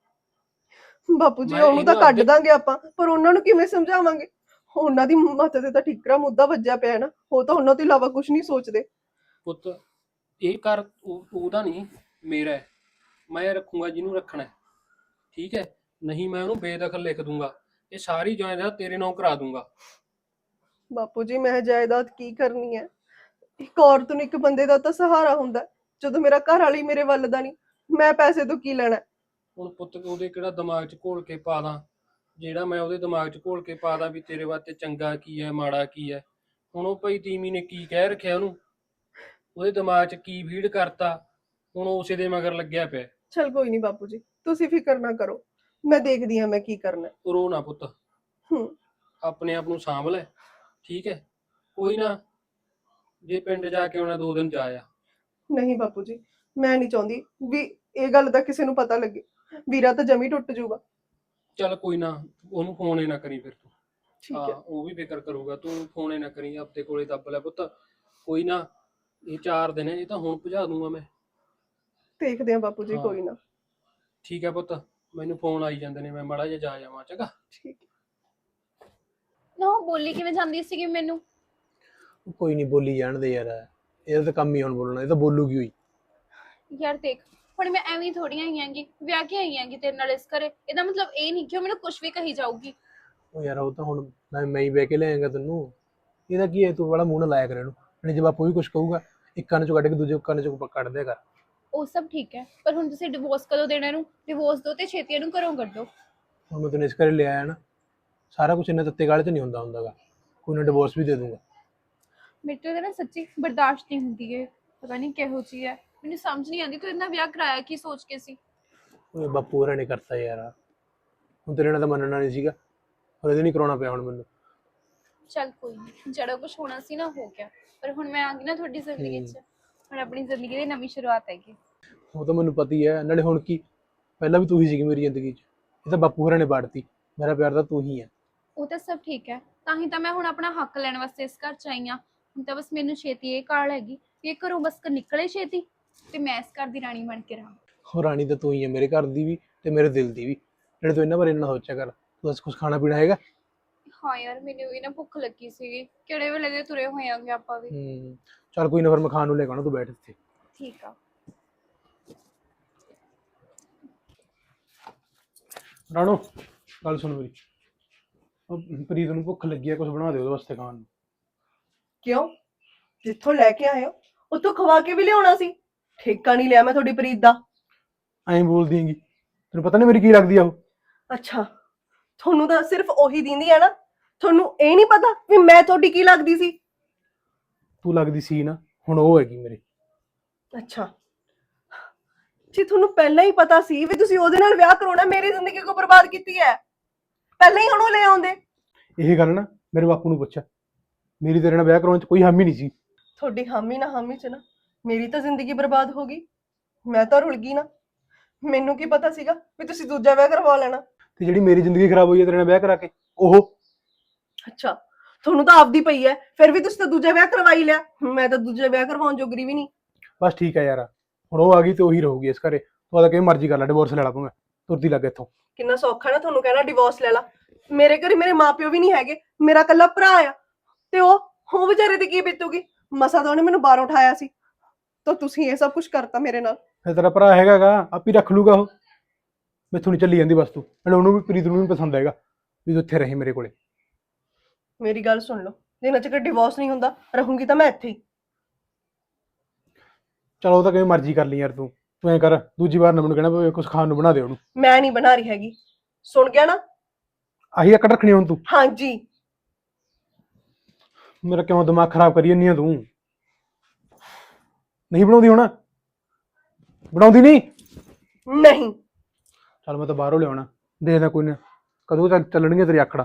ਬਾਪੂ ਜੀ
ਮੈਂ
ਉਹਨੂੰ ਤਾਂ
ਇਹਨੂੰ
ਕੱਢ
ਆਪਦੇ-
ਦਾਂਗੇ ਆਪਾਂ, ਪਰ ਉਹਨਾਂ ਨੂੰ ਕਿਵੇਂ ਸਮਝਾਵਾਂਗੇ? ਉਹਨਾਂ ਦੀ ਮੱਤ ਤੇ ਤਾਂ ਠਿਕਰਾ ਮੁੱਦਾ ਵੱਜਿਆ ਪਿਆ ਨਾ, ਉਹ ਤਾਂ ਉਹਨਾਂ ਤੋਂ ਇਲਾਵਾ ਕੁਝ ਨਹੀਂ ਸੋਚਦੇ।
ਪੁੱਤ ਇਹ ਕਰ ਉਹਦਾ ਨਹੀਂ, ਮੇਰਾ ਹੈ। ਮੈਂ ਰੱਖੂੰਗਾ ਜਿਹਨੂੰ ਰੱਖਣਾ ਹੈ, ਠੀਕ ਹੈ? ਨਹੀਂ ਮੈਂ ਉਹਨੂੰ ਬੇਦਖਲ ਲਿਖ ਦੂੰਗਾ। ਇਹ ਸਾਰੀ ਜਾਇਦਾਦ ਤੇਰੇ ਨਾਂ ਕਰਾ ਦੂੰਗਾ।
ਬਾਪੂ ਜੀ ਮੈਂ ਜਾਇਦਾਦ ਕੀ ਕਰਨੀ ਹੈ? ਇੱਕ ਔਰਤ ਨੂੰ ਇੱਕ ਬੰਦੇ ਦਾ ਤਾਂ ਸਹਾਰਾ ਹੁੰਦਾ ਹੈ। ਜਦੋਂ ਮੇਰਾ ਘਰ ਵਾਲੀ ਮੇਰੇ ਵੱਲ ਦਾ ਨਹੀਂ, ਮੈਂ ਪੈਸੇ ਤੋਂ ਕੀ ਲੈਣਾ?
ਹੁਣ ਪੁੱਤ ਉਹਦੇ ਕਿਹੜਾ ਦਿਮਾਗ 'ਚ ਘੋਲ ਕੇ ਪਾ ਦਾਂ, ਜਿਹੜਾ ਮੈਂ ਉਹਦੇ ਦਿਮਾਗ 'ਚ ਘੋਲ ਕੇ ਪਾ ਦਾਂ ਵੀ ਤੇਰੇ ਵਾਸਤੇ ਚੰਗਾ ਕੀ ਹੈ ਮਾੜਾ ਕੀ ਹੈ। ਹੁਣ ਉਹ ਭਾਈ ਤੀਮੀ ਨੇ ਕੀ ਕਹਿ ਰੱਖਿਆ ਉਹਨੂੰ, ਉਹਦੇ ਦਿਮਾਗ 'ਚ ਕੀ ਫੀਡ ਕਰਤਾ, ਹੁਣ ਉਹ ਉਸੇ ਦੇ ਮਗਰ ਲੱਗਿਆ ਪਿਆ।
ਚਲ ਕੋਈ ਨਹੀਂ ਬਾਪੂ ਜੀ, ਤੁਸੀਂ ਫਿਕਰ ਨਾ ਕਰੋ, ਮੈਂ ਦੇਖਦੀ ਹਾਂ ਮੈਂ ਕੀ ਕਰਨਾ।
ਤੂੰ ਰੋ ਨਾ ਪੁੱਤ,
ਹੂੰ
ਆਪਣੇ ਆਪ ਨੂੰ ਸਾਂਭ ਲੈ, ਠੀਕ ਹੈ? ਕੋਈ ਨਾ, ਜੇ ਪਿੰਡ ਜਾ ਕੇ ਆਉਣਾ ਦੋ ਦਿਨ ਜਾ ਆ।
ਨਹੀਂ ਬਾਪੂ ਜੀ, ਮੈਂ ਨਹੀਂ ਚਾਹੁੰਦੀ ਵੀ ਇਹ ਗੱਲ ਦਾ ਕਿਸੇ ਨੂੰ ਪਤਾ ਲੱਗੇ। ਵੀਰਾ ਤਾਂ ਜਮੀ ਟੁੱਟ ਜਾਊਗਾ।
ਚੱਲ ਕੋਈ ਨਾ, ਉਹਨੂੰ ਫੋਨ ਹੀ ਨਾ ਕਰੀ ਫਿਰ ਤੂੰ।
ਠੀਕ
ਹਾਂ
ਹੈ
ਉਹ ਵੀ ਫਿਕਰ ਕਰੂਗਾ, ਤੂੰ ਫੋਨ ਹੀ ਨਾ ਕਰੀ, ਆਪਣੇ ਕੋਲੇ ਦੱਬ ਲੈ ਪੁੱਤ। ਕੋਈ ਨਾ, ਇਹ ਚਾਰ ਦਿਨ ਹੈ, ਇਹ ਤਾਂ ਹੁਣ ਭਜਾ ਦੂੰਗਾ ਮੈਂ।
ਦੇਖਦੇ ਹਾਂ ਬਾਪੂ ਜੀ,
ਹਾਂ।
ਕੋਈ ਨਾ।
ਠੀਕ ਹੈ ਪੁੱਤ, ਮੈਨੂੰ ਫੋਨ ਆਈ ਜਾਂਦੇ ਨੇ, ਮੈਂ ਮਾੜਾ ਜਿਹਾ ਜਾ ਜਾਵਾਂ, ਚੰਗਾ?
ਠੀਕ ਹੈ।
ਨਾ ਉਹ ਬੋਲੀ ਕਿਵੇਂ ਜਾਂਦੀ ਸੀਗੀ ਮੈਨੂੰ?
ਕੋਈ ਨਹੀਂ, ਬੋਲੀ ਜਾਣ ਦੇ ਯਾਰ, ਇਹਦਾ ਤਾਂ ਕੰਮ ਹੀ ਹੁਣ ਬੋਲਣਾ, ਇਹ ਤਾਂ ਬੋਲੂਗੀ ਹੋਈ।
ਯਾਰ ਦੇਖ, ਹੁਣ ਮੈਂ ਐਵੇਂ ਥੋੜੀਆਂ ਆਈ ਆਂਗੀ, ਵਿਆਹ ਕੇ ਆਈ ਆਂਗੀ ਤੇਰੇ ਨਾਲ ਇਸ ਘਰੇ। ਇਹਦਾ ਮਤਲਬ ਇਹ ਨਹੀਂ ਕਿ ਉਹ ਮੈਨੂੰ ਕੁਝ ਵੀ ਕਹੀ ਜਾਊਗੀ।
ਉਹ ਯਾਰ ਉਹ ਤਾਂ ਹੁਣ ਮੈਂ ਮੈਂ ਹੀ ਬਹਿ ਕੇ ਲਿਆਏਗਾ ਤੈਨੂੰ, ਇਹਦਾ ਕੀ ਹੈ? ਤੂੰ ਬੜਾ ਮੂੰਹ ਨਾ ਲਾਇਆ ਕਰ ਇਹਨੂੰ, ਨਹੀਂ ਜੇ ਬਾਪੂ ਵੀ ਕੁਝ ਕਹੂਗਾ ਇੱਕ ਕੰਨ ਚੋਂ ਕੱਢ ਕੇ ਦੂਜੇ ਕੰਨ ਚੋਂ ਕੱਢ ਦਿਆ ਕਰ।
ਉਹ ਸਭ ਠੀਕ ਹੈ, ਪਰ ਹੁਣ ਤੁਸੀਂ ਡਿਵੋਰਸ ਕਦੋਂ ਦੇਣਾ ਇਹਨੂੰ? ਡਿਵੋਰਸ ਦਿਓ ਤੇ ਛੇਤੀ ਇਹਨੂੰ ਘਰੋਂ ਕੱਢੋ।
ਹੁਣ ਮੈਂ ਤੈਨੂੰ ਇਸ ਘਰੇ ਲਿਆ ਆਇਆ ਨਾ, ਸਾਰਾ ਕੁਝ ਇੰਨਾ ਤੱਤੇ ਗਾਲੇ 'ਚ ਨਹੀਂ ਹੁੰਦਾ ਹੁੰਦਾਗਾ। ਕੋਈ ਨਾ ਡਿਵੋਰਸ ਵੀ ਦੇ ਦੂੰਗਾ।
ਮੇਰੇ ਤੋਂ ਤਾਂ ਨਾ ਸੱਚੀ ਬਰਦਾਸ਼ਤ ਨਹੀਂ ਹੁੰਦੀ ਹੈ, ਪਤਾ ਨਹੀਂ ਕਿਹੋ ਜਿਹੀ ਹੈ, ਮੈਨੂੰ ਸਮਝ ਨਹੀਂ ਆਉਂਦੀ ਤੂੰ ਇਹਨਾਂ ਵਿਆਹ ਕਰਾਇਆ ਕੀ ਸੋਚ ਕੇ ਸੀ?
ਓਏ ਬਾਪੂ ਹੋਰਾਂ ਨੇ ਕਰਤਾ ਯਾਰ, ਹੁਣ ਤੇਰੇ ਨਾਲ ਤਾਂ ਮੰਨਣਾ ਨਹੀਂ ਸੀਗਾ, ਹੋਰ ਇਹਦੇ ਨਹੀਂ ਕਰਾਉਣਾ ਪਿਆ ਹੁਣ ਮੈਨੂੰ।
ਚੱਲ ਕੋਈ ਨਹੀਂ, ਜਿਹੜਾ ਕੁਝ ਹੋਣਾ ਸੀ ਨਾ ਹੋ ਗਿਆ, ਪਰ ਹੁਣ ਮੈਂ ਆ ਗਈ ਨਾ ਤੁਹਾਡੀ ਜ਼ਿੰਦਗੀ 'ਚ, ਹੁਣ ਆਪਣੀ ਜ਼ਿੰਦਗੀ ਦੀ ਨਵੀਂ ਸ਼ੁਰੂਆਤ ਹੈਗੀ।
ਉਹ ਤਾਂ ਮੈਨੂੰ ਪਤਾ ਹੀ ਹੈ, ਨਾਲੇ ਹੁਣ ਕੀ, ਪਹਿਲਾਂ ਵੀ ਤੂੰ ਹੀ ਸੀਗੀ ਮੇਰੀ ਜ਼ਿੰਦਗੀ 'ਚ, ਇਹ ਤਾਂ ਬਾਪੂ ਹੋਰਾਂ ਨੇ ਬਾੜਤੀ, ਮੇਰਾ ਪਿਆਰ ਤਾਂ ਤੂੰ ਹੀ ਹੈ।
ਉਹ ਤਾਂ ਸਭ ਠੀਕ ਹੈ, ਤਾਂ ਹੀ ਤਾਂ ਮੈਂ ਹੁਣ ਆਪਣਾ ਹੱਕ ਲੈਣ ਵਾਸਤੇ ਇਸ ਘਰ 'ਚ ਆਈ ਹਾਂ। ਹੁਣ ਤਾਂ ਬਸ ਮੈਨੂੰ ਛੇਤੀ ਇਹ ਕਾਲ ਹੈਗੀ ਵੀ ਇਹ ਘਰੋਂ ਬਸ ਨਿਕਲੇ ਛੇਤੀ, ਤੇ ਮੈਂ ਇਸ ਘਰ ਦੀ ਰਾਣੀ ਬਣ ਕੇ ਰਹਾਂ।
ਉਹ ਰਾਣੀ ਤਾਂ ਤੂੰ ਹੀ ਹੈ, ਮੇਰੇ ਘਰ ਦੀ ਵੀ ਤੇ ਮੇਰੇ ਦਿਲ ਦੀ ਵੀ। ਜਿਹੜੇ ਤੂੰ ਇਹਨਾਂ ਬਾਰੇ ਇੰਨਾ ਸੋਚਿਆ ਕਰ। ਤੂੰ ਦੱਸ ਕੁਝ ਖਾਣਾ ਪੀਣਾ ਹੈਗਾ?
ਹਾਂ ਯਾਰ, ਮੈਨੂੰ ਵੀ ਨਾ ਭੁੱਖ ਲੱਗੀ ਸੀਗੀ, ਕਿਹੜੇ ਵੇਲੇ ਦੇ ਤੁਰੇ ਹੋਏ ਆਂਗੇ ਆਪਾਂ ਵੀ।
ਹੂੰ ਚੱਲ ਕੋਈ ਨਾ, ਫਿਰ ਮੈਂ ਖਾਣ ਨੂੰ ਲੈ ਕੇ ਆਉਣਾ, ਤੂੰ ਬੈਠ ਇੱਥੇ।
ਠੀਕ ਆ।
ਰਾਣੋ ਗੱਲ ਸੁਣ ਮੇਰੀ, ਉਹ ਪ੍ਰੀਤ ਨੂੰ ਭੁੱਖ ਲੱਗੀ ਹੈ, ਕੁਝ ਬਣਾ ਦੇ ਉਹਦੇ ਵਾਸਤੇ ਖਾਣ ਨੂੰ।
ਕਿਉਂ? ਜਿੱਥੋਂ ਲੈ ਕੇ ਆਏ ਹੋ ਉੱਥੋਂ ਖਵਾ ਕੇ ਵੀ ਲਿਆਉਣਾ ਸੀ। ਠੇਕਾ ਨਹੀਂ ਲਿਆ ਮੈਂ ਤੁਹਾਡੀ ਪ੍ਰੀਤ ਦਾ।
ਐਂ ਬੋਲਦੀ ਹੈਗੀ, ਤੈਨੂੰ ਪਤਾ ਨਹੀਂ ਮੇਰੀ ਕੀ ਲੱਗਦੀ ਆ ਉਹ?
ਅੱਛਾ, ਤੁਹਾਨੂੰ ਤਾਂ ਸਿਰਫ ਉਹੀ ਦਿੰਦੀ ਹੈ ਨਾ, ਤੁਹਾਨੂੰ ਇਹ ਨਹੀਂ ਪਤਾ ਵੀ ਮੈਂ ਤੁਹਾਡੀ ਕੀ ਲੱਗਦੀ ਸੀ?
ਤੂੰ ਲੱਗਦੀ ਸੀ ਨਾ, ਹੁਣ ਉਹ ਹੈਗੀ ਮੇਰੇ।
ਅੱਛਾ ਜੀ, ਤੁਹਾਨੂੰ ਪਹਿਲਾਂ ਹੀ ਪਤਾ ਸੀ ਵੀ ਤੁਸੀਂ ਉਹਦੇ ਨਾਲ ਵਿਆਹ ਕਰਾਉਣਾ, ਮੇਰੀ ਜ਼ਿੰਦਗੀ ਕੋ ਬਰਬਾਦ ਕੀਤੀ ਹੈ। ਪਹਿਲਾਂ ਹੀ ਉਹਨੂੰ ਲੈ ਆਉਂਦੇ।
ਇਹ ਗੱਲ ਨਾ ਮੇਰੇ ਬਾਪੂ ਨੂੰ ਪੁੱਛ, ਮੇਰੀ ਤੇਰੇ ਨਾਲ ਵਿਆਹ ਕਰਾਉਣ 'ਚ ਕੋਈ ਹਾਮੀ ਨਹੀਂ ਸੀ।
ਤੁਹਾਡੀ ਹਾਮੀ ਨਾ ਹਾਮੀ ਚ ਨਾ ਮੇਰੀ ਤਾਂ ਜ਼ਿੰਦਗੀ ਬਰਬਾਦ ਹੋ ਗਈ, ਮੈਂ ਤਾਂ ਰੁਲ ਗਈ ਨਾ। ਮੈਨੂੰ ਕੀ ਪਤਾ ਸੀਗਾ ਵੀ ਤੁਸੀਂ ਦੂਜਾ ਵਿਆਹ ਕਰਵਾ ਲੈਣਾ।
ਤੇ ਜਿਹੜੀ ਮੇਰੀ ਜ਼ਿੰਦਗੀ ਖਰਾਬ ਹੋਈ ਹੈ ਤੇਰੇ ਨਾਲ ਵਿਆਹ ਕਰਾ ਕੇ, ਉਹ
ਅੱਛਾ, ਤੁਹਾਨੂੰ ਤਾਂ ਆਪਦੀ ਪਈ ਹੈ, ਫਿਰ ਵੀ ਤੁਸੀਂ ਤਾਂ ਦੂਜਾ ਵਿਆਹ ਕਰਵਾ ਹੀ ਲਿਆ। ਮੈਂ ਤਾਂ ਦੂਜਾ ਵਿਆਹ ਕਰਵਾਉਣ ਜੋਗਰੀ ਵੀ ਨਹੀਂ।
ਬਸ ਠੀਕ ਹੈ ਯਾਰ, ਹੁਣ ਉਹ ਆ ਗਈ ਤੇ ਉਹੀ ਰਹੂਗੀ ਇਸ ਘਰੇ। ਤੂੰ ਆਦਾ ਕਿਵੇਂ ਮਰਜ਼ੀ ਕਰ ਲੈ, ਡਿਵੋਰਸ ਲੈ ਲਾ ਭਾਵੇਂ, ਤੁਰਦੀ ਲੱਗ ਇੱਥੋਂ।
ਕਿੰਨਾ ਸੌਖਾ ਨਾ ਤੁਹਾਨੂੰ ਕਹਿਣਾ ਡਿਵੋਰਸ ਲੈ ਲਾ। ਮੇਰੇ ਘਰੇ ਮੇਰੇ ਮਾਪਿਓ ਵੀ ਨਹੀਂ ਹੈਗੇ, ਮੇਰਾ ਇਕੱਲਾ ਭਰਾ ਆ, ਤੇ ਉਹ ਉਹ ਵਿਚਾਰੇ ਤੇ ਕੀ ਬੀਤੂਗੀ। ਮਸਾ ਤਾਂ ਉਹਨੇ ਮੈਨੂੰ ਬਾਹਰੋਂ ਉਠਾਇਆ ਸੀ, ਤਾਂ ਤੁਸੀਂ ਇਹ ਸਭ ਕੁਝ ਕਰਤਾ ਮੇਰੇ ਨਾਲ।
ਫਿਰ ਤੇਰਾ ਭਰਾ ਹੈਗਾਗਾ, ਆਪ ਹੀ ਰੱਖ ਲੂਗਾ ਉਹ। ਮੈਥੋਂ ਨਹੀਂ ਚੱਲੀ ਜਾਂਦੀ ਬਸ ਤੂੰ। ਮੈਨੂੰ ਉਹਨੂੰ ਵੀ ਪ੍ਰੀਤ ਨੂੰ ਵੀ ਪਸੰਦ ਹੈਗਾ ਵੀ ਤੂੰ ਇੱਥੇ ਰਹੇ ਮੇਰੇ ਕੋਲੇ।
ਮੇਰੀ ਗੱਲ ਸੁਣ ਲਓ, ਜਿੰਨਾ ਚਿਰ ਡਿਵੋਰਸ ਨਹੀਂ ਹੁੰਦਾ ਰਹੂੰਗੀ ਤਾਂ ਮੈਂ ਇੱਥੇ ਹੀ।
ਚਲੋ ਉਹ ਤਾਂ ਕਿਵੇਂ ਮਰਜ਼ੀ ਕਰ ਲਈ ਯਾਰ, ਤੂੰ ਤੂੰ ਐਂ ਕਰ, ਦੂਜੀ ਵਾਰ ਨਾ ਮੈਨੂੰ ਕਹਿਣਾ ਵੀ ਕੁਝ ਖਾਣ ਨੂੰ ਬਣਾ ਦੇ ਉਹਨੂੰ।
ਮੈਂ ਨਹੀਂ ਬਣਾ ਰਹੀ ਹੈਗੀ, ਸੁਣ ਗਿਆ ਨਾ?
ਆਹੀ ਅਕੜ ਰੱਖਣੀ ਹੁਣ ਤੂੰ।
ਹਾਂਜੀ।
ਮੇਰਾ ਕਿਉਂ ਦਿਮਾਗ ਖਰਾਬ ਕਰੀ ਜਾਂਦੀ ਆ ਤੂੰ? ਨਹੀਂ ਬਣਾਉਂਦੀ ਹੁਣ? ਬਣਾਉਂਦੀ ਨਹੀਂ?
ਨਹੀਂ।
ਚੱਲ ਮੈਂ ਤਾਂ ਬਾਹਰੋਂ ਲਿਆਉਣਾ, ਦੇਖਦਾ ਕੋਈ ਨਾ ਕਦੋਂ ਤੱਕ ਚੱਲਣਗੀਆਂ ਤੇਰੀ ਆਖੜਾ।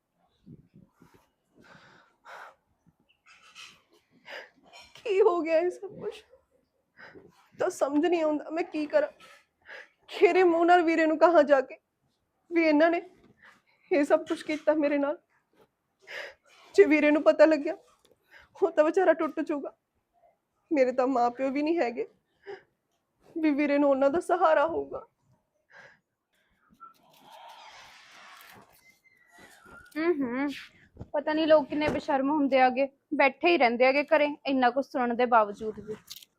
ਕੀ ਹੋ ਗਿਆ ਇਹ ਸਭ ਕੁਝ? ਤਾਂ ਸਮਝ ਨਹੀਂ ਆਉਂਦਾ ਮੈਂ ਕੀ ਕਰਾਂ। ਖੇਰੇ ਮੂੰਹ ਨਾਲ ਵੀਰੇ ਨੂੰ ਕਹਾਂ ਜਾ ਕੇ ਵੀ ਇਹਨਾਂ ਨੇ ਇਹ ਸਭ ਕੁਝ ਕੀਤਾ ਮੇਰੇ ਨਾਲ। ਜੇ ਵੀਰੇ ਨੂੰ ਪਤਾ ਲੱਗਿਆ ਉਹ ਤਾਂ ਵਿਚਾਰਾ ਟੁੱਟ ਜਾਊਗਾ। ਮੇਰੇ ਤਾਂ ਮਾਪਿਓ ਵੀ ਨਹੀਂ ਹੈਗੇ ਵੀ ਵੀਰੇ ਨੂੰ ਉਹਨਾਂ ਦਾ ਸਹਾਰਾ ਹੋਊਗਾ।
ਹੂੰ ਪਤਾ ਨਹੀਂ ਲੋਕ ਕਿੰਨੇ ਬੇਸ਼ਰਮ ਹੁੰਦੇ ਆਗੇ, ਬੈਠੇ ਹੀ ਰਹਿੰਦੇ ਆਗੇ ਘਰੇ ਇੰਨਾ ਕੁਝ ਸੁਣਨ ਦੇ ਬਾਵਜੂਦ ਵੀ।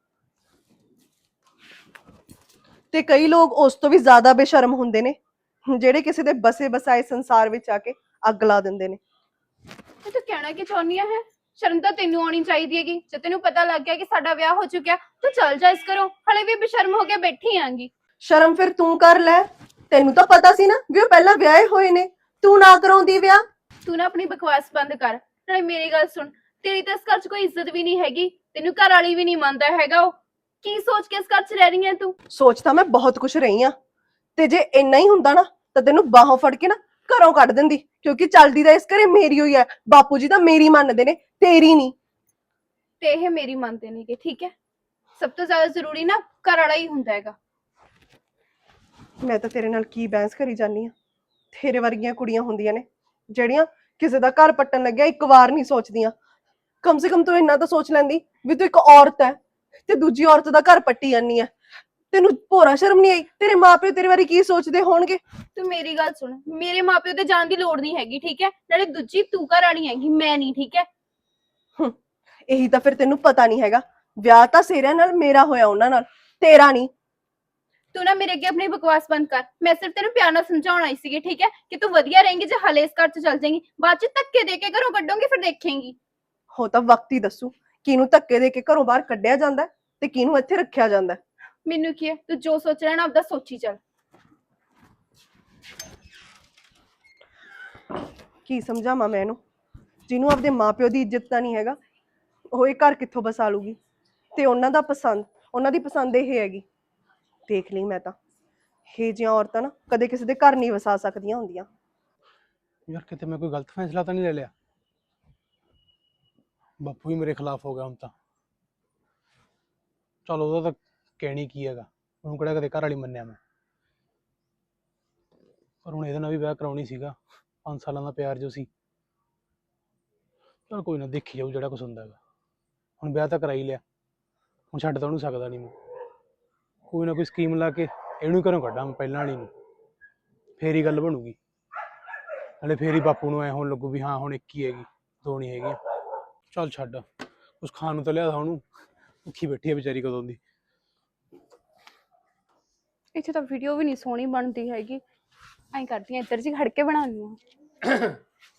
ਤੇ ਕਈ ਲੋਕ ਉਸ ਤੋਂ ਵੀ ਜ਼ਿਆਦਾ ਬੇਸ਼ਰਮ ਹੁੰਦੇ ਨੇ, ਜਿਹੜੇ ਕਿਸੇ ਦੇ ਬਸੇ ਬਸਾਏ ਸੰਸਾਰ ਵਿੱਚ ਆ ਕੇ ਅੱਗ ਲਾ ਦਿੰਦੇ ਨੇ।
ਇਹ ਤੂੰ ਕਹਿਣਾ ਕੀ ਚਾਹੁੰਦੀ ਹੈ? ਸ਼ਰਮ ਤਾਂ ਤੈਨੂੰ ਆਉਣੀ ਚਾਹੀਦੀ ਹੈਗੀ। ਜੇ ਤੈਨੂੰ ਪਤਾ ਲੱਗ ਗਿਆ ਕਿ ਸਾਡਾ ਵਿਆਹ ਹੋ ਚੁੱਕਿਆ ਤੂੰ ਚੱਲ ਜਾ ਇਸ ਘਰੋਂ। ਹਲੇ ਵੀ ਬੇਸ਼ਰਮ ਹੋ ਕੇ ਬੈਠੀ ਆਂਗੀ।
ਸ਼ਰਮ ਫਿਰ ਤੂੰ ਕਰ ਲੈ, ਤੈਨੂੰ ਤਾਂ ਪਤਾ ਸੀ ਨਾ ਵੀ ਉਹ ਪਹਿਲਾਂ ਵਿਆਹੇ ਹੋਏ ਨੇ, ਤੂੰ ਨਾ ਕਰਾਉਂਦੀ ਵਿਆਹ।
ਤੂੰ ਨਾ ਆਪਣੀ ਬਕਵਾਸ ਬੰਦ ਕਰ। ਨਾਲੇ ਮੇਰੀ ਗੱਲ ਸੁਣ, ਤੇਰੀ ਤਾਂ ਇਸ ਘਰ 'ਚ ਕੋਈ ਇੱਜ਼ਤ ਵੀ ਨਹੀਂ ਹੈਗੀ, ਤੈਨੂੰ ਘਰ ਵਾਲੀ ਵੀ ਨਹੀਂ ਮੰਨਦਾ ਹੈਗਾ। ਉਹ ਕੀ ਸੋਚ ਕੇ ਇਸ ਘਰ 'ਚ ਰਹਿ ਰਹੀ ਹੈ ਤੂੰ?
ਸੋਚ ਤਾਂ ਮੈਂ ਬਹੁਤ ਕੁਝ ਰਹੀ ਆ, ਤੇ ਜੇ ਇੰਨਾ ਹੀ ਹੁੰਦਾ ਨਾ ਤਾਂ ਤੈਨੂੰ ਬਾਹੋਂ ਫੜ ਕੇ ਨਾ ਘਰੋਂ ਕੱਢ ਦਿੰਦੀ, ਕਿਉਂਕਿ ਚੱਲਦੀ ਤਾਂ ਇਸ ਘਰੇ ਮੇਰੀ ਹੋਈ ਹੈ। ਬਾਪੂ ਜੀ ਤਾਂ ਮੇਰੀ ਮੰਨਦੇ ਨੇ, ਤੇਰੀ ਨਹੀਂ।
ਤੇ ਇਹ ਮੇਰੀ ਮੰਨਦੇ ਨੇਗੇ, ਠੀਕ ਹੈ? ਸਭ ਤੋਂ ਜ਼ਿਆਦਾ ਜ਼ਰੂਰੀ ਨਾ ਘਰ ਵਾਲਾ ਹੀ ਹੁੰਦਾ ਹੈਗਾ।
ਮੈਂ ਤਾਂ ਤੇਰੇ ਨਾਲ ਕੀ ਬਹਿਸ ਕਰੀ ਜਾਨੀ ਆ। ਤੇਰੇ ਵਰਗੀਆਂ ਕੁੜੀਆਂ ਹੁੰਦੀਆਂ ਨੇ ਜਿਹੜੀਆਂ ਕਿਸੇ ਦਾ ਘਰ ਪੱਟਣ ਲੱਗਿਆ ਇੱਕ ਵਾਰ ਨਹੀਂ ਸੋਚਦੀਆਂ। ਕਮ ਸੇ ਕਮ ਤੂੰ ਇੰਨਾ ਤਾਂ ਸੋਚ ਲੈਂਦੀ ਵੀ ਤੂੰ ਇੱਕ ਔਰਤ ਹੈ ਤੇ ਦੂਜੀ ਔਰਤ ਦਾ ਘਰ ਪੱਟੀ ਜਾਨੀ ਆ। ਤੈਨੂੰ ਭੋਰਾ ਸ਼ਰਮ ਨਹੀਂ ਆਈ? ਤੇਰੇ ਮਾਪੇ ਤੇਰੇ ਬਾਰੇ ਕੀ ਸੋਚਦੇ ਹੋਣਗੇ?
ਤੂੰ ਮੇਰੀ ਗੱਲ ਸੁਣ, ਮੇਰੇ ਮਾਪਿਓ ਤੇ ਜਾਣ ਦੀ ਲੋੜ ਨਹੀਂ ਹੈਗੀ, ਠੀਕ ਹੈ? ਨਾਲੇ ਦੂਜੀ ਤੂੰ ਘਰ ਆਣੀ ਹੈਗੀ, ਮੈਂ ਨਹੀਂ, ਠੀਕ ਹੈ?
ਇਹੀ ਤਾਂ ਫਿਰ ਤੈਨੂੰ ਪਤਾ ਨਹੀਂ ਹੈਗਾ। ਵਿਆਹ ਤਾਂ ਸੇਰਿਆਂ ਨਾਲ ਮੇਰਾ ਹੋਇਆ, ਉਹਨਾਂ ਨਾਲ, ਤੇਰਾ ਨਹੀਂ।
ਤੂੰ ਨਾ ਮੇਰੇ ਅੱਗੇ ਆਪਣੀ ਬਕਵਾਸ ਬੰਦ ਕਰ। ਮੈਂ ਸਿਰਫ ਤੈਨੂੰ ਪਿਆਰ ਨਾਲ ਸਮਝਾਉਣ ਆਈ ਸੀਗੀ, ਠੀਕ ਹੈ? ਕਿ ਤੂੰ ਵਧੀਆ ਰਹੇਂਗੀ ਜੇ ਹਲੇ ਇਸ ਘਰ 'ਚ ਚੱਲ ਜਾਏਂਗੀ, ਬਾਅਦ 'ਚ ਧੱਕੇ ਦੇ ਕੇ ਘਰੋਂ ਕੱਢੋਂਗੀ, ਫਿਰ ਦੇਖੇਂਗੀ।
ਹੋ ਤਾਂ ਵਕਤ ਹੀ ਦੱਸੂ ਕਿਹਨੂੰ ਧੱਕੇ ਦੇ ਕੇ ਘਰੋਂ ਬਾਹਰ ਕੱਢਿਆ ਜਾਂਦਾ ਤੇ ਕਿਹਨੂੰ ਇੱਥੇ ਰੱਖਿਆ ਜਾਂਦਾ।
ਮੈਨੂੰ ਕੀ ਹੈ, ਤੂੰ ਜੋ ਸੋਚ ਰਿਹਾ ਨਾ ਆਪਦਾ ਸੋਚੀ ਚੱਲ।
ਕੀ ਸਮਝਾਵਾਂ ਮੈਂ ਇਹਨੂੰ, ਜਿਹਨੂੰ ਆਪਦੇ ਮਾਪਿਓ ਦੀ ਇੱਜ਼ਤ ਤਾਂ ਨਹੀਂ ਹੈਗਾ, ਉਹ ਇਹ ਘਰ ਕਿੱਥੋਂ ਬਸਾ ਲੂਗੀ? ਤੇ ਉਹਨਾਂ ਦਾ ਪਸੰਦ, ਉਹਨਾਂ ਦੀ ਪਸੰਦ ਇਹ ਹੈਗੀ। ਦੇਖ ਲਈ ਮੈਂ ਤਾਂ ਇਹ ਜਿਹੀਆਂ ਔਰਤਾਂ ਨਾ ਕਦੇ ਕਿਸੇ ਦੇ ਘਰ ਨਹੀਂ ਵਸਾ ਸਕਦੀਆਂ ਹੁੰਦੀਆਂ।
ਯਾਰ ਕਿਤੇ ਮੈਂ ਕੋਈ ਗਲਤ ਫੈਸਲਾ ਤਾਂ ਨਹੀਂ ਲੈ ਲਿਆ? ਬਾਪੂ ਹੀ ਮੇਰੇ ਖਿਲਾਫ ਹੋ ਗਿਆ ਹੁਣ ਤਾਂ। ਚਲ ਉਹਦਾ ਤਾਂ ਕਹਿਣੀ ਕੀ ਹੈਗਾ, ਉਹਨੂੰ ਕਿਹੜਾ ਕਦੇ ਘਰ ਵਾਲੀ ਮੰਨਿਆ ਮੈਂ। ਪਰ ਹੁਣ ਇਹਦੇ ਨਾਲ ਵੀ ਵਿਆਹ ਕਰਾਉਣੀ ਸੀਗਾ, ਪੰਜ ਸਾਲਾਂ ਦਾ ਪਿਆਰ ਜੋ ਸੀ। ਚਲ ਕੋਈ ਨਾ, ਦੇਖੀ ਜਾਊ ਜਿਹੜਾ ਕੁਛ ਹੁੰਦਾ ਹੈਗਾ। ਹੁਣ ਵਿਆਹ ਤਾਂ ਕਰਾ ਹੀ ਲਿਆ, ਹੁਣ ਛੱਡ ਤਾਂ ਉਹਨੂੰ ਸਕਦਾ ਨਹੀਂ ਮੈਂ। ਕੋਈ ਨਾ ਕੋਈ ਸਕੀਮ ਲਾ ਕੇ ਇਹਨੂੰ ਘਰੋਂ ਕੱਢਾਂ ਮੈਂ ਪਹਿਲਾਂ ਵਾਲੀ ਨੂੰ, ਫੇਰ ਹੀ ਗੱਲ ਬਣੂਗੀ। ਨਾਲੇ ਫੇਰ ਹੀ ਬਾਪੂ ਨੂੰ ਐ ਹੋਣ ਲੱਗੂ ਵੀ ਹਾਂ ਹੁਣ ਇੱਕ ਹੀ ਹੈਗੀ, ਦੋ ਨਹੀਂ ਹੈਗੀਆਂ। ਚੱਲ ਛੱਡ, ਕੁਛ ਖਾਣ ਨੂੰ ਤਾਂ ਲਿਆਦਾ ਉਹਨੂੰ, ਭੁੱਖੀ ਬੈਠੀ ਹੈ ਵਿਚਾਰੀ ਕਦੋਂ ਦੀ।
ਇੱਥੇ ਤਾਂ ਵੀਡੀਓ ਵੀ ਨਹੀਂ ਸੋਹਣੀ ਬਣਦੀ ਹੈਗੀ, ਐਂ ਕਰਦੀ ਆ ਇੱਧਰ ਜੀ ਖੜ ਕੇ ਬਣਾਉਣੀ ਆ।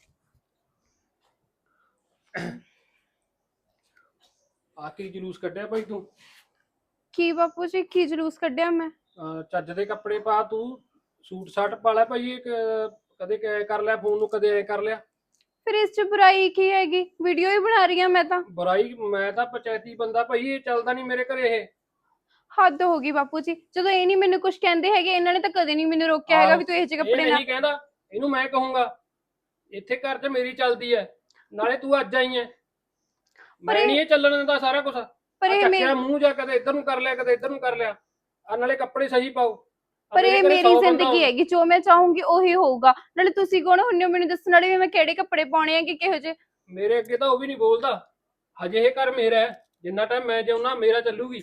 ਆ ਕੀ ਜਲੂਸ ਕੱਢਿਆ ਭਾਈ ਤੂੰ?
ਕੀ ਬਾਪੂ ਜੀ, ਕੀ ਜਲੂਸ ਕੱਢਿਆ ਮੈਂ?
ਅਹ ਚੱਜ ਦੇ ਕੱਪੜੇ ਪਾ, ਤੂੰ ਸੂਟ ਸਾਟ ਪਾ ਲੈ ਭਾਈ। ਇਹ ਕ- ਕਦੇ ਕ- ਕਰ ਲਿਆ ਫੋਨ ਨੂੰ, ਕਦੇ ਐ ਕਰ ਲਿਆ।
ਫਿਰ ਇਸ 'ਚ ਬੁਰਾਈ ਕੀ ਹੈਗੀ? ਵੀਡੀਓ ਹੀ ਬਣਾ ਰਹੀ ਆ ਮੈਂ ਤਾਂ।
ਬੁਰਾਈ? ਮੈਂ ਤਾਂ ਪੰਚਾਇਤੀ ਬੰਦਾ ਭਾਈ, ਇਹ ਚੱਲਦਾ ਨਹੀਂ ਮੇਰੇ ਘਰੇ ਇਹ।
ਹੱਦ ਹੋ ਗਈ ਬਾਪੂ ਜੀ, ਜਦੋਂ ਇਹ ਨਹੀਂ ਮੈਨੂੰ ਕੁਝ ਕਹਿੰਦੇ ਹੈਗੇ, ਇਹਨਾਂ ਨੇ ਤਾਂ ਕਦੇ ਨਹੀਂ ਮੈਨੂੰ ਰੋਕਿਆ ਹੈਗਾ ਵੀ ਤੂੰ ਇਹ ਜਿਹੇ ਕੱਪੜੇ
ਇਹ
ਨਾ।
ਨਹੀਂ ਕਹਿੰਦਾ, ਇਹਨੂੰ ਮੈਂ ਕਹੂੰਗਾ। ਇੱਥੇ ਘਰ 'ਚ ਮੇਰੀ ਚੱਲਦੀ ਹੈ, ਨਾਲੇ ਤੂੰ ਅੱਜ ਆਈ ਹੈ। ਮੈਂ
ਇਹ-
ਨਹੀਂ ਇਹ ਚੱਲਣ ਦਿੰਦਾ ਸਾਰਾ ਕੁਝ।
ਪਰ ਇਹ
ਚੱਕਿਆ
ਮੇਰੀ
ਮੂੰਹ ਜਾ, ਕਦੇ ਇੱਧਰ ਨੂੰ ਕਰ ਲਿਆ, ਕਦੇ ਇੱਧਰ ਨੂੰ ਕਰ ਲਿਆ। ਆ ਨਾਲੇ ਕੱਪੜੇ ਸਹੀ ਪਾਓ। ਆਹ
ਪਰ
ਮੇਰੇ
ਇਹ
ਘਰੇ
ਮੇਰੀ
ਸੌ ਬੰਦਾ
ਜ਼ਿੰਦਗੀ
ਹੋਊ।
ਹੈਗੀ, ਜੋ ਮੈਂ ਚਾਹੂੰਗੀ ਉਹੀ ਹੋਊਗਾ। ਨਾਲੇ ਤੁਸੀਂ ਕੌਣ ਹੁੰਦੇ ਹੋ ਮੈਨੂੰ ਦੱਸਣ ਵਾਲੇ ਵੀ ਮੈਂ ਕਿਹੜੇ ਕੱਪੜੇ ਪਾਉਣੇ ਆ ਕਿ ਕਿਹੋ ਜਿਹੇ?
ਮੇਰੇ ਅੱਗੇ ਤਾਂ ਉਹ ਵੀ ਨਹੀਂ ਬੋਲਦਾ। ਹਜੇ ਇਹ ਘਰ ਮੇਰਾ ਹੈ, ਜਿੰਨਾ ਟਾਈਮ ਮੈਂ ਜਿਉਣਾ ਮੇਰਾ ਚੱਲੂਗੀ।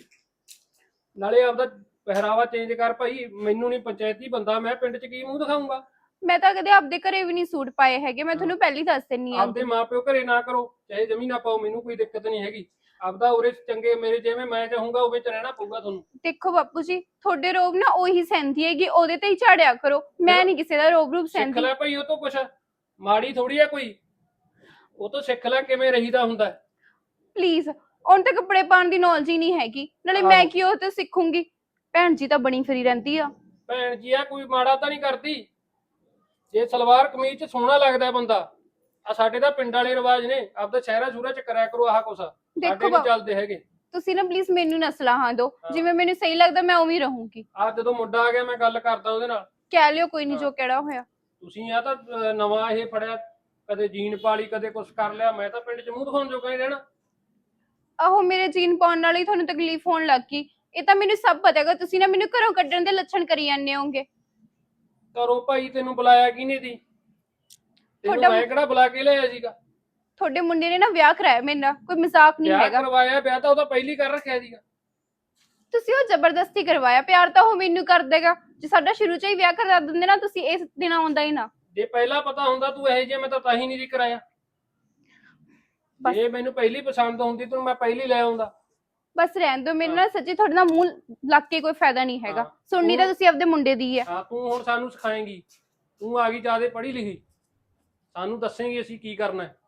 ਨਾਲੇ ਆਪਦਾ ਪਹਿਰਾਵਾ ਚੇਂਜ ਕਰ ਭਾਈ, ਮੈਨੂੰ ਨਹੀਂ ਪੰਚਾਇਤੀ ਬੰਦਾ, ਮੈਂ ਪਿੰਡ 'ਚ ਕੀ ਮੂੰਹ ਦਿਖਾਊਂਗਾ?
ਮੈਂ ਤਾਂ ਕਦੇ ਆਪਦੇ ਘਰੇ ਵੀ ਨਹੀਂ ਸੂਟ ਪਾਏ ਹੈਗੇ, ਮੈਂ ਤੁਹਾਨੂੰ ਪਹਿਲੀ ਦੱਸ ਦਿੰਨੀ ਆ।
ਆਪਦੇ ਮਾਪਿਓ ਘਰੇ ਨਾ ਕਰੋ, ਚਾਹੇ ਜ਼ਮੀਨ ਨਾ ਪਾਓ, ਮੈਨੂੰ ਕੋਈ ਦਿੱਕਤ ਨਹੀਂ ਹੈਗੀ। ਆਪਦਾ ਉਰੇ ਚੰਗੇ ਮੇਰੇ ਜਿਵੇਂ ਮੈਂ ਚਾਹੂੰਗਾ ਉਵੇਂ ਚ ਰਹਿਣਾ ਪਊਗਾ ਤੁਹਾਨੂੰ।
ਦੇਖੋ ਬਾਪੂ ਜੀ, ਤੁਹਾਡੇ ਰੋਬ ਨਾ ਉਹੀ ਸਹਿੰਦੀ ਹੈਗੀ, ਉਹਦੇ ਤੇ ਹੀ ਝਾੜਿਆ ਕਰੋ। ਮੈਂ ਨਹੀਂ ਕਿਸੇ ਦਾ ਰੋਬ ਰੂਬ
ਸਿੱਖ
ਸਹਿੰਦੀ।
ਲੈ ਭਾਈ, ਉਹ ਤੋਂ ਕੁਛ ਮਾੜੀ ਥੋੜੀ ਆ ਕੋਈ, ਉਹ ਤੋਂ ਸਿੱਖ ਲੈ ਕਿਵੇਂ ਰਹੀਦਾ ਹੁੰਦਾ।
ਪਲੀਜ਼, ਉਹਨੂੰ ਤਾਂ ਕੱਪੜੇ ਪਾਉਣ ਦੀ ਨੌਲੇਜ ਹੀ ਨਹੀਂ ਹੈਗੀ, ਨਾਲੇ ਮੈਂ
ਆਹੋ।
ਕੀ ਉਹ ਤੇ ਸਿੱਖੂੰਗੀ। ਭੈਣ ਜੀ ਤਾਂ ਬਣੀ ਫਿਰੀ ਰਹਿੰਦੀ ਆ।
ਭੈਣ ਜੀ ਆ ਕੋਈ ਮਾੜਾ ਤਾਂ ਨਹੀਂ ਕਰਦੀ, ਜੇ ਸਲਵਾਰ ਕਮੀਜ਼ ਚ ਸੋਹਣਾ ਲੱਗਦਾ ਬੰਦਾ। ਆ ਸਾਡੇ ਤਾਂ ਪਿੰਡ ਵਾਲੇ ਰਿਵਾਜ ਨੇ, ਆਪਦਾ ਸ਼ਹਿਰਾਂ ਸ਼ੂਰਾਂ ਚ ਕਰਿਆ ਕਰੋ ਆਹ ਕੁਛ, ਸਾਡੇ
ਦੇਖੋ
ਨਹੀਂ ਚੱਲਦੇ ਹੈਗੇ।
ਤੁਸੀਂ ਨਾ ਪਲੀਜ਼ ਮੈਨੂੰ ਨਾ ਸਲਾਹਾਂ ਦਿਓ,
ਹਾਂ।
ਜਿਵੇਂ ਮੈਨੂੰ ਸਹੀ ਲੱਗਦਾ ਮੈਂ ਉਵੇਂ ਹੀ ਰਹੂੰਗੀ।
ਆ ਜਦੋਂ ਮੁੰਡਾ ਆ ਗਿਆ ਮੈਂ ਗੱਲ ਕਰਦਾ ਉਹਦੇ ਨਾਲ।
ਕਹਿ ਲਿਓ ਕੋਈ ਨਹੀਂ,
ਹਾਂ।
ਜੋ ਕਿਹੜਾ ਹੋਇਆ।
ਤੁਸੀਂ ਆ ਤਾਂ ਅਹ, ਨਵਾਂ ਇਹ ਫੜਿਆ, ਕਦੇ ਜੀਨ ਪਾਲੀ ਕਦੇ ਕੁਛ ਕਰ ਲਿਆ, ਮੈਂ ਤਾਂ ਪਿੰਡ ਚ ਮੂੰਹ ਦਿਖਾਉਣ ਜੋਗਾ ਨਹੀਂ ਰਹਿਣਾ।
ਆਹੋ, ਮੇਰੇ ਜੀਨ ਪਾਉਣ ਨਾਲ ਹੀ ਤੁਹਾਨੂੰ ਤਕਲੀਫ ਹੋਣ ਲੱਗ ਗਈ, ਇਹ ਤਾਂ ਮੈਨੂੰ ਸਭ ਪਤਾ ਹੈਗਾ। ਤੁਸੀਂ ਨਾ ਮੈਨੂੰ ਘਰੋਂ ਕੱਢਣ ਦੇ ਲੱਛਣ ਕਰੀ ਜਾਂਦੇ ਹੋਗੇ।
ਘਰੋਂ ਭਾਈ ਤੈਨੂੰ ਬੁਲਾਇਆ ਕਿਹਨੇ ਦੀ? ਤੈਨੂੰ
ਤੁਹਾਡਾ-
ਮੈਂ ਕਿਹੜਾ ਬੁਲਾ ਕੇ ਲਿਆਇਆ ਸੀਗਾ?
ਤੁਹਾਡੇ ਮੁੰਡੇ ਨੇ ਨਾ ਵਿਆਹ ਕਰਾਇਆ ਮੇਰੇ ਨਾਲ, ਕੋਈ ਮਜ਼ਾਕ ਨਹੀਂ
ਵਿਆਹ
ਹੈਗਾ।
ਕਰਵਾਇਆ, ਵਿਆਹ ਤਾਂ ਉਹਦਾ ਪਹਿਲੀ ਕਰ ਰੱਖਿਆ ਸੀਗਾ।
ਤੁਸੀਂ ਉਹ ਜ਼ਬਰਦਸਤੀ ਕਰਵਾਇਆ, ਪਿਆਰ ਤਾਂ ਉਹ ਮੈਨੂੰ ਕਰ ਦੇਗਾ। ਜੇ ਸਾਡਾ ਸ਼ੁਰੂ ਚ ਹੀ ਵਿਆਹ ਕਰਾ ਦਿੰਦੇ ਨਾ ਤੁਸੀਂ, ਇਸ ਦਿਨ ਆਉਂਦਾ ਹੀ ਨਾ।
ਜੇ ਪਹਿਲਾਂ ਪਤਾ ਹੁੰਦਾ ਤੂੰ ਇਹੋ ਜਿਹਾ, ਮੈਂ ਤਾਂ ਤਾਂ ਹੀ ਨਹੀਂ ਸੀ ਕਰਾਇਆ।
ਬਸ।
ਜੇ ਮੈਨੂੰ ਪਹਿਲੀ ਪਸੰਦ ਹੁੰਦੀ ਤੈਨੂੰ ਮੈਂ ਪਹਿਲੀ ਲੈ ਆਉਂਦਾ।
ਬਸ ਰਹਿਣ ਦਿਓ, ਮੈਨੂੰ ਨਾ ਸੱਚੀ ਤੁਹਾਡੇ ਨਾਲ ਮੂੰਹ ਲੱਗ ਕੇ ਕੋਈ ਫਾਇਦਾ ਨਹੀਂ ਹੈਗਾ।
ਹਾਂ।
ਸੁਣਨੀ ਤਾਂ ਤੁਸੀਂ ਆਪਦੇ ਮੁੰਡੇ ਦੀ ਹੈ।
ਹਾਂ, ਤੂੰ ਹੁਣ ਸਾਨੂੰ ਸਿਖਾਏਂਗੀ, ਤੂੰ ਆ ਗਈ ਜਿਆਦੇ ਪੜ੍ਹੀ ਲਿਖੀ, ਸਾਨੂੰ ਦੱਸੇਂਗੀ ਅਸੀਂ ਕੀ ਕਰਨਾ ਹੈ।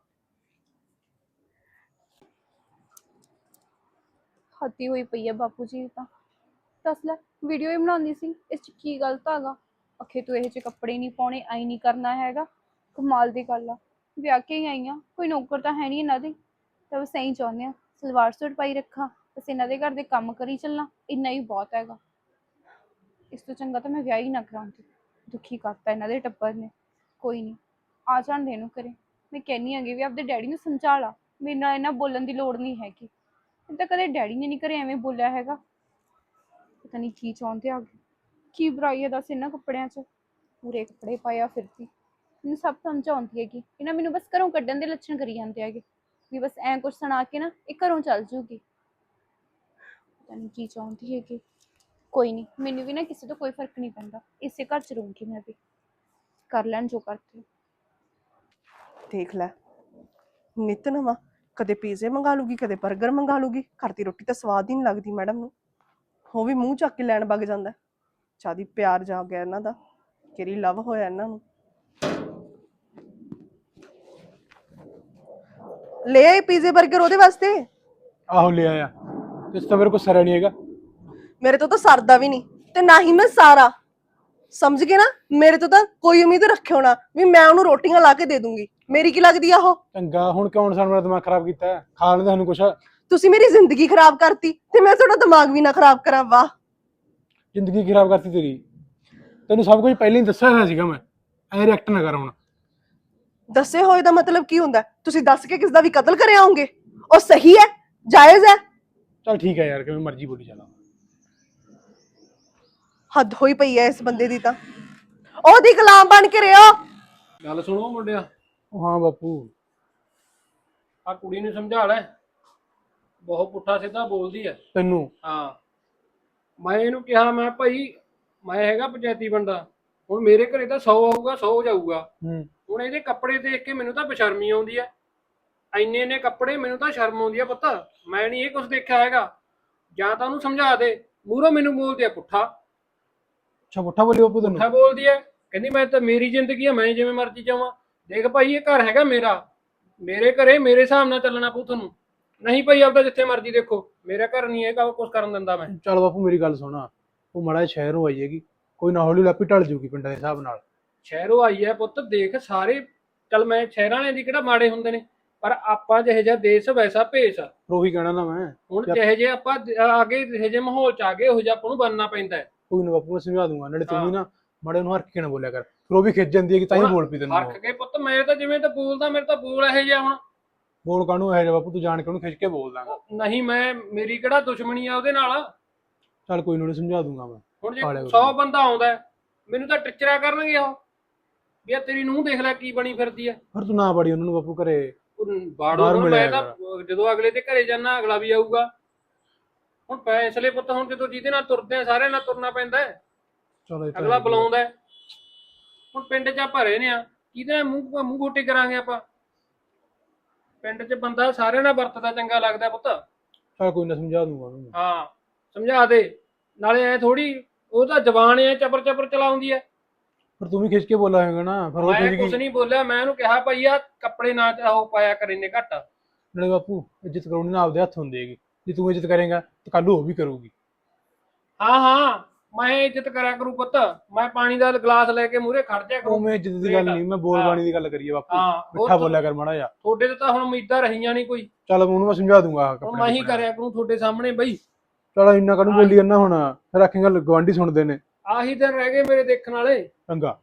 ਹੱਤੀ ਹੋਈ ਪਈ ਹੈ ਬਾਪੂ ਜੀ ਤਾਂ। ਦੱਸ ਲੈ, ਵੀਡੀਓ ਹੀ ਬਣਾਉਂਦੀ ਸੀ, ਇਸ ਚ ਕੀ ਗਲਤ ਹੈਗਾ? ਅਖੇ ਤੂੰ ਇਹ ਜਿਹੇ ਕੱਪੜੇ ਨਹੀਂ ਪਾਉਣੇ, ਆਈ ਨਹੀਂ ਕਰਨਾ ਹੈਗਾ। ਕਮਾਲ ਦੀ ਗੱਲ ਆ, ਵਿਆਹ ਕੇ ਹੀ ਆਈ ਆ, ਕੋਈ ਨੌਕਰ ਤਾਂ ਹੈ ਨਹੀਂ ਇਹਨਾਂ ਦੀ। ਤਾਂ ਬਸ ਇਹੀ ਚਾਹੁੰਦੇ ਆ, ਸਲਵਾਰ ਸੂਟ ਪਾਈ ਰੱਖਾਂ, ਬਸ ਇਹਨਾਂ ਦੇ ਘਰ ਦੇ ਕੰਮ ਕਰੀ ਚੱਲਾਂ, ਇੰਨਾ ਹੀ ਬਹੁਤ ਹੈਗਾ। ਇਸ ਤੋਂ ਚੰਗਾ ਤਾਂ ਮੈਂ ਵਿਆਹ ਹੀ ਨਾ ਕਰਾਉਂਦੀ। ਦੁਖੀ ਕਰਤਾ ਇਹਨਾਂ ਦੇ ਟੱਬਰ ਨੇ। ਕੋਈ ਨਹੀਂ, ਆ ਜਾਣ ਦੇ ਇਹਨੂੰ ਘਰੇ। ਮੈਂ ਕਹਿੰਨੀ ਹੈਗੀ ਵੀ ਆਪਦੇ ਡੈਡੀ ਨੂੰ ਸਮਝਾ ਲਾ, ਮੇਰੇ ਨਾਲ ਇਹਨਾਂ ਬੋਲਣ ਦੀ ਲੋੜ ਨਹੀਂ ਹੈਗੀ। ਇਹ ਤਾਂ ਕਦੇ ਡੈਡੀ ਨੇ ਨਹੀਂ ਘਰੇ ਐਵੇਂ ਬੋਲਿਆ ਹੈਗਾ। ਪਤਾ ਨਹੀਂ ਕੀ ਚਾਹੁੰਦੇ ਆ, ਕੀ ਬੁਰਾਈ ਹੈ ਦੱਸ ਇਹਨਾਂ ਕੱਪੜਿਆਂ 'ਚ। ਪੂਰੇ ਕੱਪੜੇ ਪਾਇਆ ਫਿਰਦੀ, ਮੈਨੂੰ ਸਭ ਸਮਝ ਆਉਂਦੀ ਹੈਗੀ। ਇਹਨਾਂ ਮੈਨੂੰ ਬਸ ਘਰੋਂ ਕੱਢਣ ਦੇ ਲੱਛਣ ਕਰੀ ਜਾਂਦੇ ਹੈਗੇ ਵੀ ਬਸ ਐਂ ਕੁਛ ਸੁਣਾ ਕੇ ਨਾ ਇਹ ਘਰੋਂ ਚੱਲ ਜੂਗੀ। ਪਤਾ ਨਹੀਂ ਕੀ ਚਾਹੁੰਦੀ ਹੈਗੀ। ਕੋਈ ਨਹੀਂ, ਮੈਨੂੰ ਵੀ ਨਾ ਕਿਸੇ ਤੋਂ ਕੋਈ ਫਰਕ ਨਹੀਂ ਪੈਂਦਾ, ਇਸੇ ਘਰ 'ਚ ਰਹੂੰਗੀ ਮੈਂ ਵੀ। ਕਰ ਲੈਣ ਜੋ ਕਰਦੇ।
ਦੇਖ ਲੈ, ਨਿੱਤ ਨਵਾਂ, ਕਦੇ ਪੀਜ਼ੇ ਮੰਗਾ ਲੂਗੀ, ਕਦੇ 버ਗਰ ਮੰਗਾ ਲੂਗੀ। ਘਰ ਦੀ ਰੋਟੀ ਤਾਂ ਸਵਾਦ ਹੀ ਨਹੀਂ ਲੱਗਦੀ ਮੈਡਮ ਨੂੰ। ਉਹ ਵੀ ਮੂੰਹ ਚੱਕ ਕੇ ਲੈਣ ਵਗ ਜਾਂਦਾ। ਚਾਦੀ ਪਿਆਰ ਜਾ ਗਿਆ ਇਹਨਾਂ ਦਾ, ਕਿਹੜੀ ਲਵ ਹੋਇਆ ਇਹਨਾਂ ਨੂੰ। ਲੈ ਆਈ ਪੀਜ਼ੇ 버ਗਰ ਉਹਦੇ ਵਾਸਤੇ।
ਆਹੋ ਲੈ ਆਇਆ, ਇਸ ਤਾਂ ਮੇਰੇ ਕੋਲ ਸਰਿਆ ਨਹੀਂ ਹੈਗਾ।
ਮੇਰੇ ਤੋਂ ਤਾਂ ਸਰਦਾ ਵੀ ਨਹੀਂ, ਤੇ ਨਾ ਹੀ ਮੈਂ ਸਾਰਾ। ਸਮਝ ਗਏ ਨਾ, ਮੇਰੇ ਤੋਂ ਤਾਂ ਕੋਈ ਉਮੀਦ ਰੱਖਿਓ ਨਾ ਵੀ ਮੈਂ ਉਹਨੂੰ ਰੋਟੀਆਂ ਲਾ ਕੇ ਦੇ ਦੂੰਗੀ। ਮੇਰੀ ਕੀ ਲੱਗਦੀ ਆ ਉਹ?
ਚੰਗਾ, ਹੁਣ ਕਿਉਂ ਸਾਨੂੰ ਮੇਰਾ ਦਿਮਾਗ ਖਰਾਬ ਕੀਤਾ ਹੈ? ਖਾ ਲੈਂਦੇ ਸਾਨੂੰ ਕੁਛ।
ਤੁਸੀਂ ਮੇਰੀ ਜ਼ਿੰਦਗੀ ਖਰਾਬ ਕਰਤੀ ਤੇ ਮੈਂ ਤੁਹਾਡਾ ਦਿਮਾਗ ਵੀ ਨਾ ਖਰਾਬ ਕਰਾਂ। ਵਾਹ,
ਜ਼ਿੰਦਗੀ ਖਰਾਬ ਕਰਤੀ ਤੇਰੀ। ਤੈਨੂੰ ਸਭ ਕੁਝ ਪਹਿਲਾਂ ਹੀ ਦੱਸਿਆ ਹੋਇਆ ਸੀਗਾ ਮੈਂ। ਐ ਰਿਐਕਟ ਨਾ ਕਰ ਹੁਣ।
ਦੱਸੇ ਹੋਏ ਦਾ ਮਤਲਬ ਕੀ ਹੁੰਦਾ? ਤੁਸੀਂ ਦੱਸ ਕੇ ਕਿਸ ਦਾ ਵੀ ਕਤਲ ਕਰਿਆ ਹੋਗੇ? ਉਹ ਸਹੀ ਹੈ, ਜਾਇਜ਼ ਹੈ?
ਚੱਲ ਠੀਕ ਹੈ ਯਾਰ, ਕਿਵੇਂ ਮਰਜ਼ੀ ਬੋਲੀ ਚੱਲ।
ਹੱਦ ਹੋਈ ਪਈ ਹੈ ਇਸ ਬੰਦੇ ਦੀ ਤਾਂ। ਉਹਦੀ ਗੁਲਾਮ ਬਣ ਕੇ ਰਿਓ।
ਗੱਲ ਸੁਣੋ ਮੁੰਡਿਆ,
ਉਹ ਹਾਂ ਬਾਪੂ।
ਆ ਕੁੜੀ ਨੂੰ ਸਮਝਾ ਲੈ, ਬਹੁਤ ਪੁੱਠਾ ਸਿੱਧਾ ਬੋਲਦੀ ਹੈ।
ਤੈਨੂੰ?
ਹਾਂ, ਮੈਂ ਇਹਨੂੰ ਕਿਹਾ, ਮੈਂ ਭਾਈ ਮੈਂ ਹੈਗਾ ਪੰਚਾਇਤੀ ਬੰਦਾ, ਹੁਣ ਮੇਰੇ ਘਰੇ ਤਾਂ ਸੌ ਆਊਗਾ ਸੌ ਜਾਊਗਾ।
ਹੂੰ।
ਹੁਣ ਇਹਦੇ ਕੱਪੜੇ ਦੇਖ ਕੇ ਮੈਨੂੰ ਤਾਂ ਬੇਸ਼ਰਮੀ ਆਉਂਦੀ ਆ। ਇੰਨੇ ਇੰਨੇ ਕੱਪੜੇ, ਮੈਨੂੰ ਤਾਂ ਸ਼ਰਮ ਆਉਂਦੀ ਆ ਪੁੱਤ। ਮੈਂ ਨਹੀਂ ਇਹ ਕੁਝ ਦੇਖਿਆ ਹੈਗਾ। ਜਾਂ ਤਾਂ ਉਹਨੂੰ ਸਮਝਾ ਦੇ, ਮੂਹਰੋਂ ਮੈਨੂੰ ਬੋਲਦੀ ਆ ਪੁੱਠਾ।
ਅੱਛਾ, ਪੁੱਠਾ ਬੋਲੀ ਬਾਪੂ ਤੈਨੂੰ?
ਪੁੱਠਾ ਬੋਲਦੀ ਆ, ਕਹਿੰਦੀ ਮੈਂ ਤਾਂ, ਮੇਰੀ ਜ਼ਿੰਦਗੀ ਆ, ਮੈਂ ਜਿਵੇਂ ਮਰਜ਼ੀ ਜਾਵਾਂ। ਦੇਖ ਭਾਈ, ਇਹ ਘਰ ਹੈਗਾ ਮੇਰਾ, ਮੇਰੇ ਘਰੇ ਮੇਰੇ ਹਿਸਾਬ ਨਾਲ ਚੱਲਣਾ ਪਊ ਤੁਹਾਨੂੰ। ਨਹੀਂ ਭਾਈ, ਆਪਦਾ ਜਿੱਥੇ ਮਰਜ਼ੀ ਦੇਖੋ, ਮੇਰਾ ਘਰ ਨਹੀਂ ਇਹ ਕੁਝ ਕਰਨ ਦਿੰਦਾ ਮੈਂ।
ਚੱਲ ਬਾਪੂ ਮੇਰੀ ਗੱਲ ਸੁਣਾ, ਉਹ ਮਾੜਾ ਸ਼ਹਿਰੋਂ ਆਈ ਹੈਗੀ, ਕੋਈ ਨਾ ਹੌਲੀ ਲਾਪੀ ਢਲ ਜੂਗੀ ਪਿੰਡਾਂ ਦੇ ਹਿਸਾਬ ਨਾਲ।
ਸ਼ਹਿਰੋਂ ਆਈ ਹੈ ਪੁੱਤ, ਦੇਖ ਸਾਰੇ, ਚੱਲ ਮੈਂ ਸ਼ਹਿਰਾਂ ਵਾਲਿਆਂ ਦੀ ਕਿਹੜਾ ਮਾੜੇ ਹੁੰਦੇ ਨੇ, ਪਰ ਆਪਾਂ ਜਿਹੇ ਜਿਹਾ ਦੇਸ਼ ਵੈਸਾ ਭੇਸ ਆ।
ਉਹੀ ਕਹਿਣਾ ਨਾ ਮੈਂ।
ਹੁਣ ਜਿਹੇ ਜਿਹੇ ਆਪਾਂ ਆਗੇ, ਜਿਹੇ ਜਿਹੇ ਮਾਹੌਲ ਚ ਆ ਗਏ, ਉਹੋ ਜਿਹਾ ਆਪਾਂ ਨੂੰ ਬਣਨਾ ਪੈਂਦਾ ਹੈ।
ਕੋਈ ਨਾ ਬਾਪੂ, ਮੈਂ ਸਮਝਾ ਦੂੰਗਾ। ਨਾਲੇ ਤੂੰ ਵੀ ਨਾ ਮਾੜੇ ਨੂੰ ਹਰਕ ਕੇ ਨਾ ਬੋਲਿਆ ਕਰ, ਫਿਰ ਉਹ ਵੀ ਖਿੱਚ ਜਾਂਦੀ ਹੈ ਕਿ ਤਾਂ ਹੀ ਬੋਲ ਪਈ ਤੈਨੂੰ।
ਹਰਕ ਕੇ ਪੁੱਤ, ਮੈਂ ਤਾਂ ਜਿਵੇਂ ਤਾਂ ਬੋਲਦਾ, ਮੇਰੇ ਤਾਂ ਬੋਲ ਇਹੋ ਜਿਹਾ। ਹੁਣ
ਬੋਲ ਕਾਹਨੂੰ ਇਹੋ ਜਿਹਾ ਬਾਪੂ? ਤੂੰ ਜਾਣ ਕੇ ਉਹਨੂੰ ਖਿੱਚ ਕੇ ਬੋਲ ਦਾਂਗਾ।
ਨਹੀਂ, ਮੈਂ, ਮੇਰੀ ਕਿਹੜਾ ਦੁਸ਼ਮਣੀ ਆ ਉਹਦੇ ਨਾਲ।
ਚੱਲ ਕੋਈ ਨਾ, ਸਮਝਾ ਦੂੰਗਾ ਮੈਂ।
ਹੁਣ ਜੇ ਸੌ ਬੰਦਾ ਆਉਂਦਾ, ਮੈਨੂੰ ਤਾਂ ਟਿਚਰਾ ਕਰਨਗੇ ਉਹ ਵੀ ਆ ਤੇਰੀ ਨੂੰਹ ਦੇਖ ਲੈ ਕੀ ਬਣੀ ਫਿਰਦੀ ਆ।
ਫਿਰ ਤੂੰ ਨਾ ਬੜੀ ਉਹਨਾਂ ਨੂੰ ਬਾਪੂ ਘਰੇ।
ਬਾੜੋ ਨੂੰ ਮੈਂ ਤਾਂ ਜਦੋਂ ਅਗਲੇ ਦੇ ਘਰੇ ਜਾਣਾ, ਅਗਲਾ ਵੀ ਆਊਗਾ। ਹੁਣ ਫੈਸਲੇ ਪੁੱਤ, ਹੁਣ ਜਦੋਂ ਜਿਹਦੇ ਨਾਲ ਤੁਰਦੇ ਆ ਸਾਰਿਆਂ ਨਾਲ ਤੁਰਨਾ ਪੈਂਦਾ ਹੈ।
ਚਲੋ
ਅਗਲਾ ਬੁਲਾਉਂਦਾ ਹੈ। ਹੁਣ ਪਿੰਡ 'ਚ ਆਪਾਂ ਰਹੇ ਨੇ ਆ, ਕਿਹਦੇ ਨਾਲ ਮੂੰਹ ਮੂੰਹ ਖੋਟੇ ਕਰਾਂਗੇ ਆਪਾਂ? ਪਿੰਡ 'ਚ ਬੰਦਾ ਸਾਰਿਆਂ ਨਾਲ ਵਰਤਦਾ ਚੰਗਾ ਲੱਗਦਾ ਪੁੱਤ।
ਚਲ ਕੋਈ ਨਾ, ਸਮਝਾ ਦੂੰਗਾ ਉਹਨੂੰ।
ਹਾਂ ਸਮਝਾ ਦੇ, ਨਾਲੇ ਐ ਥੋੜੀ ਉਹ ਤਾਂ ਜ਼ਬਾਨ ਐ ਚਪਰ ਚਪਰ ਚਲਾਉਂਦੀ ਐ।
ਪਰ ਤੂੰ ਵੀ ਖਿੱਚ ਕੇ ਬੋਲਾ ਹੋਏਗਾ ਨਾ, ਫਿਰ ਉਹ
ਮੈਂ
ਤੁਸੀਂ
ਕੁਛ
ਕੀ।
ਨਹੀਂ ਬੋਲਿਆ, ਮੈਂ ਉਹਨੂੰ ਕਿਹਾ ਭਾਈ ਆ ਕੱਪੜੇ ਨਾ ਉਹ ਪਾਇਆ ਕਰ ਇੰਨੇ ਘੱਟ।
ਨਾਲੇ ਬਾਪੂ, ਇੱਜ਼ਤ ਕਰਾਉਣੀ ਨਾ ਆਪਦੇ ਹੱਥ ਹੁੰਦੀ ਹੈਗੀ। ਜੇ ਤੂੰ ਇੱਜ਼ਤ ਕਰੇਗਾ ਤਾਂ ਕੱਲ ਉਹ ਵੀ ਕਰੂਗੀ।
ਹਾਂ ਹਾਂ ਮੈਂ ਇੱਜ਼ਤ ਕਰਿਆ ਕਰੂ ਪੁੱਤ, ਮੈਂ ਪਾਣੀ ਦਾ ਗਲਾਸ ਲੈ ਕੇ ਮੂਹਰੇ ਖੜ ਜਾ ਕਰੂ।
ਉਹ ਮੈਂ ਇੱਜ਼ਤ ਦੀ ਗੱਲ ਨਹੀਂ, ਮੈਂ ਬੋਲ ਬਾਣੀ ਦੀ ਗੱਲ ਕਰੀਏ ਬਾਪੂ।
ਹਾਂ
ਮਿੱਠਾ ਬੋਲਿਆ ਕਰ ਮਾੜਾ ਜਿਹਾ।
ਤੁਹਾਡੇ ਤੇ ਤਾਂ ਹੁਣ ਉਮੀਦਾਂ ਰਹੀਆਂ ਨਹੀਂ ਕੋਈ,
ਚੱਲ ਉਹਨੂੰ ਮੈਂ ਸਮਝਾ ਦੂੰਗਾ।
ਹੁਣ ਮੈਂ ਹੀ ਕਰਿਆ ਕਰੂੰ ਤੁਹਾਡੇ ਸਾਹਮਣੇ ਬਈ।
ਚਲ ਇੰਨਾ ਕਾਹਨੂੰ ਬੋਲੀ ਜਾਂਦਾ ਹੁਣ, ਫਿਰ ਆਖੇਂਗਾ ਗਵਾਂਢੀ ਸੁਣਦੇ ਨੇ।
ਆਹੀ ਦਿਨ ਰਹਿ ਗਏ ਮੇਰੇ ਦੇਖਣ ਵਾਲੇ।
ਚੰਗਾ।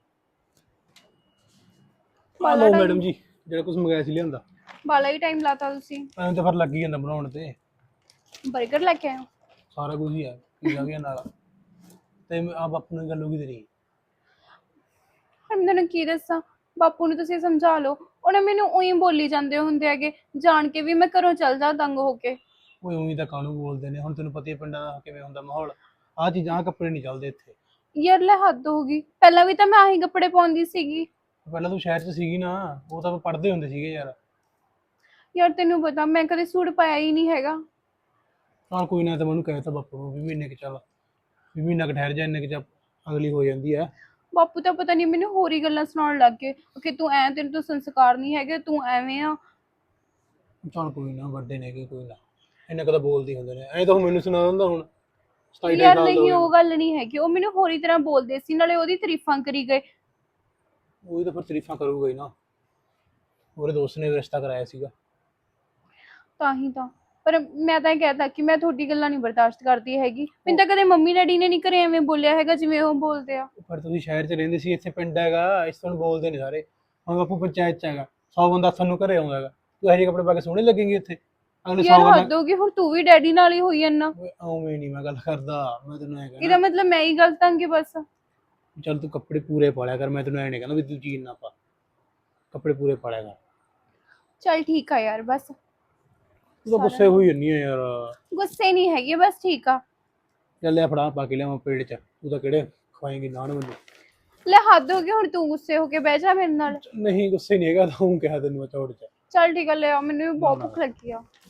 ਬਾਲਾ
ਲਓ
time-
ਮੈਡਮ ਜੀ, ਜਿਹੜਾ ਕੁਝ ਮੰਗਾਇਆ ਸੀ ਲਿਆਂਦਾ।
ਬਾਲਾ ਹੀ ਟਾਈਮ ਲਾਤਾ ਤੁਸੀਂ।
ਐਂ ਤਾਂ ਫਿਰ ਲੱਗ ਹੀ ਜਾਂਦਾ ਬਣਾਉਣ ਤੇ।
버ਗਰ ਲੈ ਕੇ ਆਏ ਹੋ?
ਸਾਰਾ ਕੁਝ ਹੀ ਹੈ, ਪੀਜ਼ਾ ਵੀ ਹੈ ਨਾਲ। ਤੇ ਆ ਬਾਪੂ ਨਾਲ ਗੱਲ ਹੋ ਗਈ ਤੇਰੀ?
ਹੁਣ ਮੈਂ ਤੁਹਾਨੂੰ ਕੀ ਦੱਸਾਂ, ਬਾਪੂ ਨੂੰ ਤੁਸੀਂ ਸਮਝਾ ਲਓ। ਉਹਨੇ ਮੈਨੂੰ ਉਹੀ ਬੋਲੀ ਜਾਂਦੇ ਹੁੰਦੇ ਹੈਗੇ, ਜਾਣ ਕੇ ਵੀ ਮੈਂ ਘਰੋਂ ਚੱਲ ਜਾ ਤੰਗ ਹੋ ਕੇ।
ਓਏ ਉਵੇਂ ਤਾਂ ਕਾਹਨੂੰ ਬੋਲਦੇ ਨੇ, ਹੁਣ ਤੈਨੂੰ ਪਤਾ ਹੀ ਹੈ ਪਿੰਡਾਂ ਦਾ ਕਿਵੇਂ ਹੁੰਦਾ ਮਾਹੌਲ। ਆਹ ਚੀਜ਼ਾਂ ਆਹ ਕੱਪੜੇ ਨਹੀਂ ਚੱਲਦੇ ਇੱਥੇ।
ਯਾਰ ਲੈ ਹੱਦ ਹੋ ਗਈ, ਪਹਿਲਾਂ ਵੀ ਤਾਂ ਮੈਂ ਆਹੀ ਕੱਪੜੇ ਪਾਉਂਦੀ ਸੀਗੀ।
ਪਹਿਲਾਂ ਤੂੰ ਸ਼ਹਿਰ 'ਚ ਸੀਗੀ ਨਾ, ਉਹ ਤਾਂ ਪੜ੍ਹਦੇ ਹੁੰਦੇ ਸੀਗੇ ਯਾਰ।
ਯਾਰ ਤੈਨੂੰ ਪਤਾ ਮੈਂ ਕਦੇ ਸੂਟ ਪਾਇਆ ਹੀ ਨਹੀਂ ਹੈਗਾ।
ਚੱਲ ਕੋਈ ਨਾ, ਤਾਂ ਮੈਨੂੰ ਕਹਿ ਤਾ ਬਾਪੂ ਨੂੰ ਵੀ ਮਹੀਨੇ ਕੁ ਚੱਲ, ਵੀ ਮਹੀਨਾ ਕੁ ਠਹਿਰ ਜਾ, ਇੰਨੇ ਕੁ ਚ ਅਗਲੀ ਹੋ ਜਾਂਦੀ ਹੈ।
ਬਾਪੂ ਤਾਂ ਪਤਾ ਨਹੀਂ ਮੈਨੂੰ ਹੋਰ ਹੀ ਗੱਲਾਂ ਸੁਣਾਉਣ ਲੱਗ ਗਏ ਕਿ ਤੂੰ ਐ, ਤੇਰੇ ਤੋਂ ਸੰਸਕਾਰ ਨਹੀਂ ਹੈਗੇ, ਤੂੰ ਐਵੇਂ ਆ।
ਚੱਲ ਕੋਈ ਨਾ, ਵੱਡੇ ਨੇ ਕਿ ਕੋਈ ਨਾ, ਇੰਨਾ ਕਦਾ ਬੋਲਦੇ ਹੁੰਦੇ ਨੇ। ਐਂ ਤਾਂ ਹੁਣ ਮੈਨੂੰ ਸੁਣਾ ਦਿੰਦਾ ਹੁਣ। ਸਤਾਈ ਅਠਾਈ
ਯਾਰ
ਸਾਲ ਦਾ
ਨਹੀਂ,
ਹੋ
ਉਹ ਗੱਲ ਨਹੀਂ ਹੈਗੀ। ਉਹ ਮੈਨੂੰ ਹੋਰ ਹੀ ਤਰ੍ਹਾਂ ਬੋਲਦੇ ਸੀ, ਨਾਲੇ ਉਹਦੀ ਤਾਰੀਫਾਂ ਕਰੀ ਗਏ।
ਉਹੀ ਤਾਂ ਫਿਰ ਤਾਰੀਫਾਂ ਕਰੂਗਾ ਹੀ ਨਾ, ਉਹਦੇ ਦੋਸਤ ਨੇ ਰਿਸ਼ਤਾ ਕਰਾਇਆ ਸੀਗਾ।
ਤਾਂ ਹੀ ਤਾਂ, ਪਰ ਮੈਂ ਤਾਂ ਇਹ ਕਹਿਤਾ ਕਿ ਮੈਂ ਤੁਹਾਡੀ ਗੱਲਾਂ ਨਹੀਂ ਬਰਦਾਸ਼ਤ ਕਰਦੀ ਹੈਗੀ। ਮੈਨੂੰ ਤਾਂ ਕਦੇ ਮੰਮੀ ਡੈਡੀ ਨੇ ਨਹੀਂ ਘਰੇ ਐਵੇਂ ਬੋਲਿਆ ਹੈਗਾ ਜਿਵੇਂ ਉਹ ਬੋਲਦੇ ਆ।
ਪਰ ਤੁਸੀਂ ਸ਼ਹਿਰ 'ਚ ਰਹਿੰਦੇ ਸੀ, ਇੱਥੇ ਪਿੰਡ ਹੈਗਾ, ਇਸ ਤੋਂ ਬੋਲਦੇ ਨੇ ਸਾਰੇ। ਹੁਣ ਬਾਪੂ ਪੰਚਾਇਤ 'ਚ ਹੈਗਾ, ਸੌ ਬੰਦਾ ਸਾਨੂੰ ਘਰੇ ਆਉਂਦਾ ਹੈਗਾ, ਤੂੰ ਇਹੋ ਜਿਹੇ ਕੱਪੜੇ ਪਾ ਕੇ ਸੋਹਣੇ ਲੱਗੇਂਗੇ ਇੱਥੇ? ਅਗਲੇ
ਯਾਰ
ਸੌ ਗੱਲਾਂ।
ਹੱਦ ਹੋ ਗਈ, ਹੁਣ ਤੂੰ ਵੀ ਡੈਡੀ ਨਾਲ ਹੀ ਹੋਈ ਜਾਂਦਾ।
ਓਏ ਉਵੇਂ ਨਹੀਂ ਮੈਂ ਗੱਲ ਕਰਦਾ, ਮੈਂ ਤੈਨੂੰ ਐਂ
ਇਹਦਾ
ਕਹਿਣਾ,
ਮਤਲਬ ਮੈਂ ਹੀ ਗਲਤ ਆਂਗੀ ਬਸ।
ਚੱਲ ਤੂੰ ਕੱਪੜੇ ਪੂਰੇ ਪਾ ਲਿਆ ਕਰ, ਮੈਂ ਤੈਨੂੰ ਐਂ ਨਹੀਂ ਕਹਿੰਦਾ ਵੀ ਤੂੰ ਜੀਨ ਨਾ ਪਾ, ਕੱਪੜੇ ਪੂਰੇ ਪਾ ਲਿਆ ਕਰ।
ਚੱਲ ਠੀਕ ਆ ਯਾਰ, ਬਸ
ਤੂੰ ਤਾਂ ਗੁੱਸੇ ਹੋਈ ਜੰਨੀ ਆ ਯਾਰ।
ਗੁੱਸੇ ਨਹੀਂ ਹੈਗੀ, ਬਸ ਠੀਕ ਆ।
ਚੱਲ ਲਿਆ ਫੜਾ, ਪਾ ਕੇ ਲਿਆਵਾਂ ਪੇਟ 'ਚ, ਤੂੰ ਤਾਂ ਕਿਹੜੇ ਖਵਾਏਂਗੀ ਨਾਨ ਮੈਨੂੰ।
ਲੈ ਹੱਦ ਹੋ ਗਈ, ਹੁਣ ਤੂੰ ਗੁੱਸੇ ਹੋ ਕੇ ਬਹਿ ਜਾ ਮੇਰੇ ਨਾਲ।
ਨਹੀਂ ਗੁੱਸੇ ਨਹੀਂ ਹੈਗਾ, ਤਾਂ ਉਹ ਕਿਹਾ ਤੈਨੂੰ ਮੈਂ ਚੌੜ 'ਚ।
ਚੱਲ ਠੀਕ ਆ, ਲੈ ਆ, ਮੈਨੂੰ ਵੀ ਬਹੁਤ
ਨਾ, ਨਾ।
ਭੁੱਖ ਲੱਗੀ ਆ।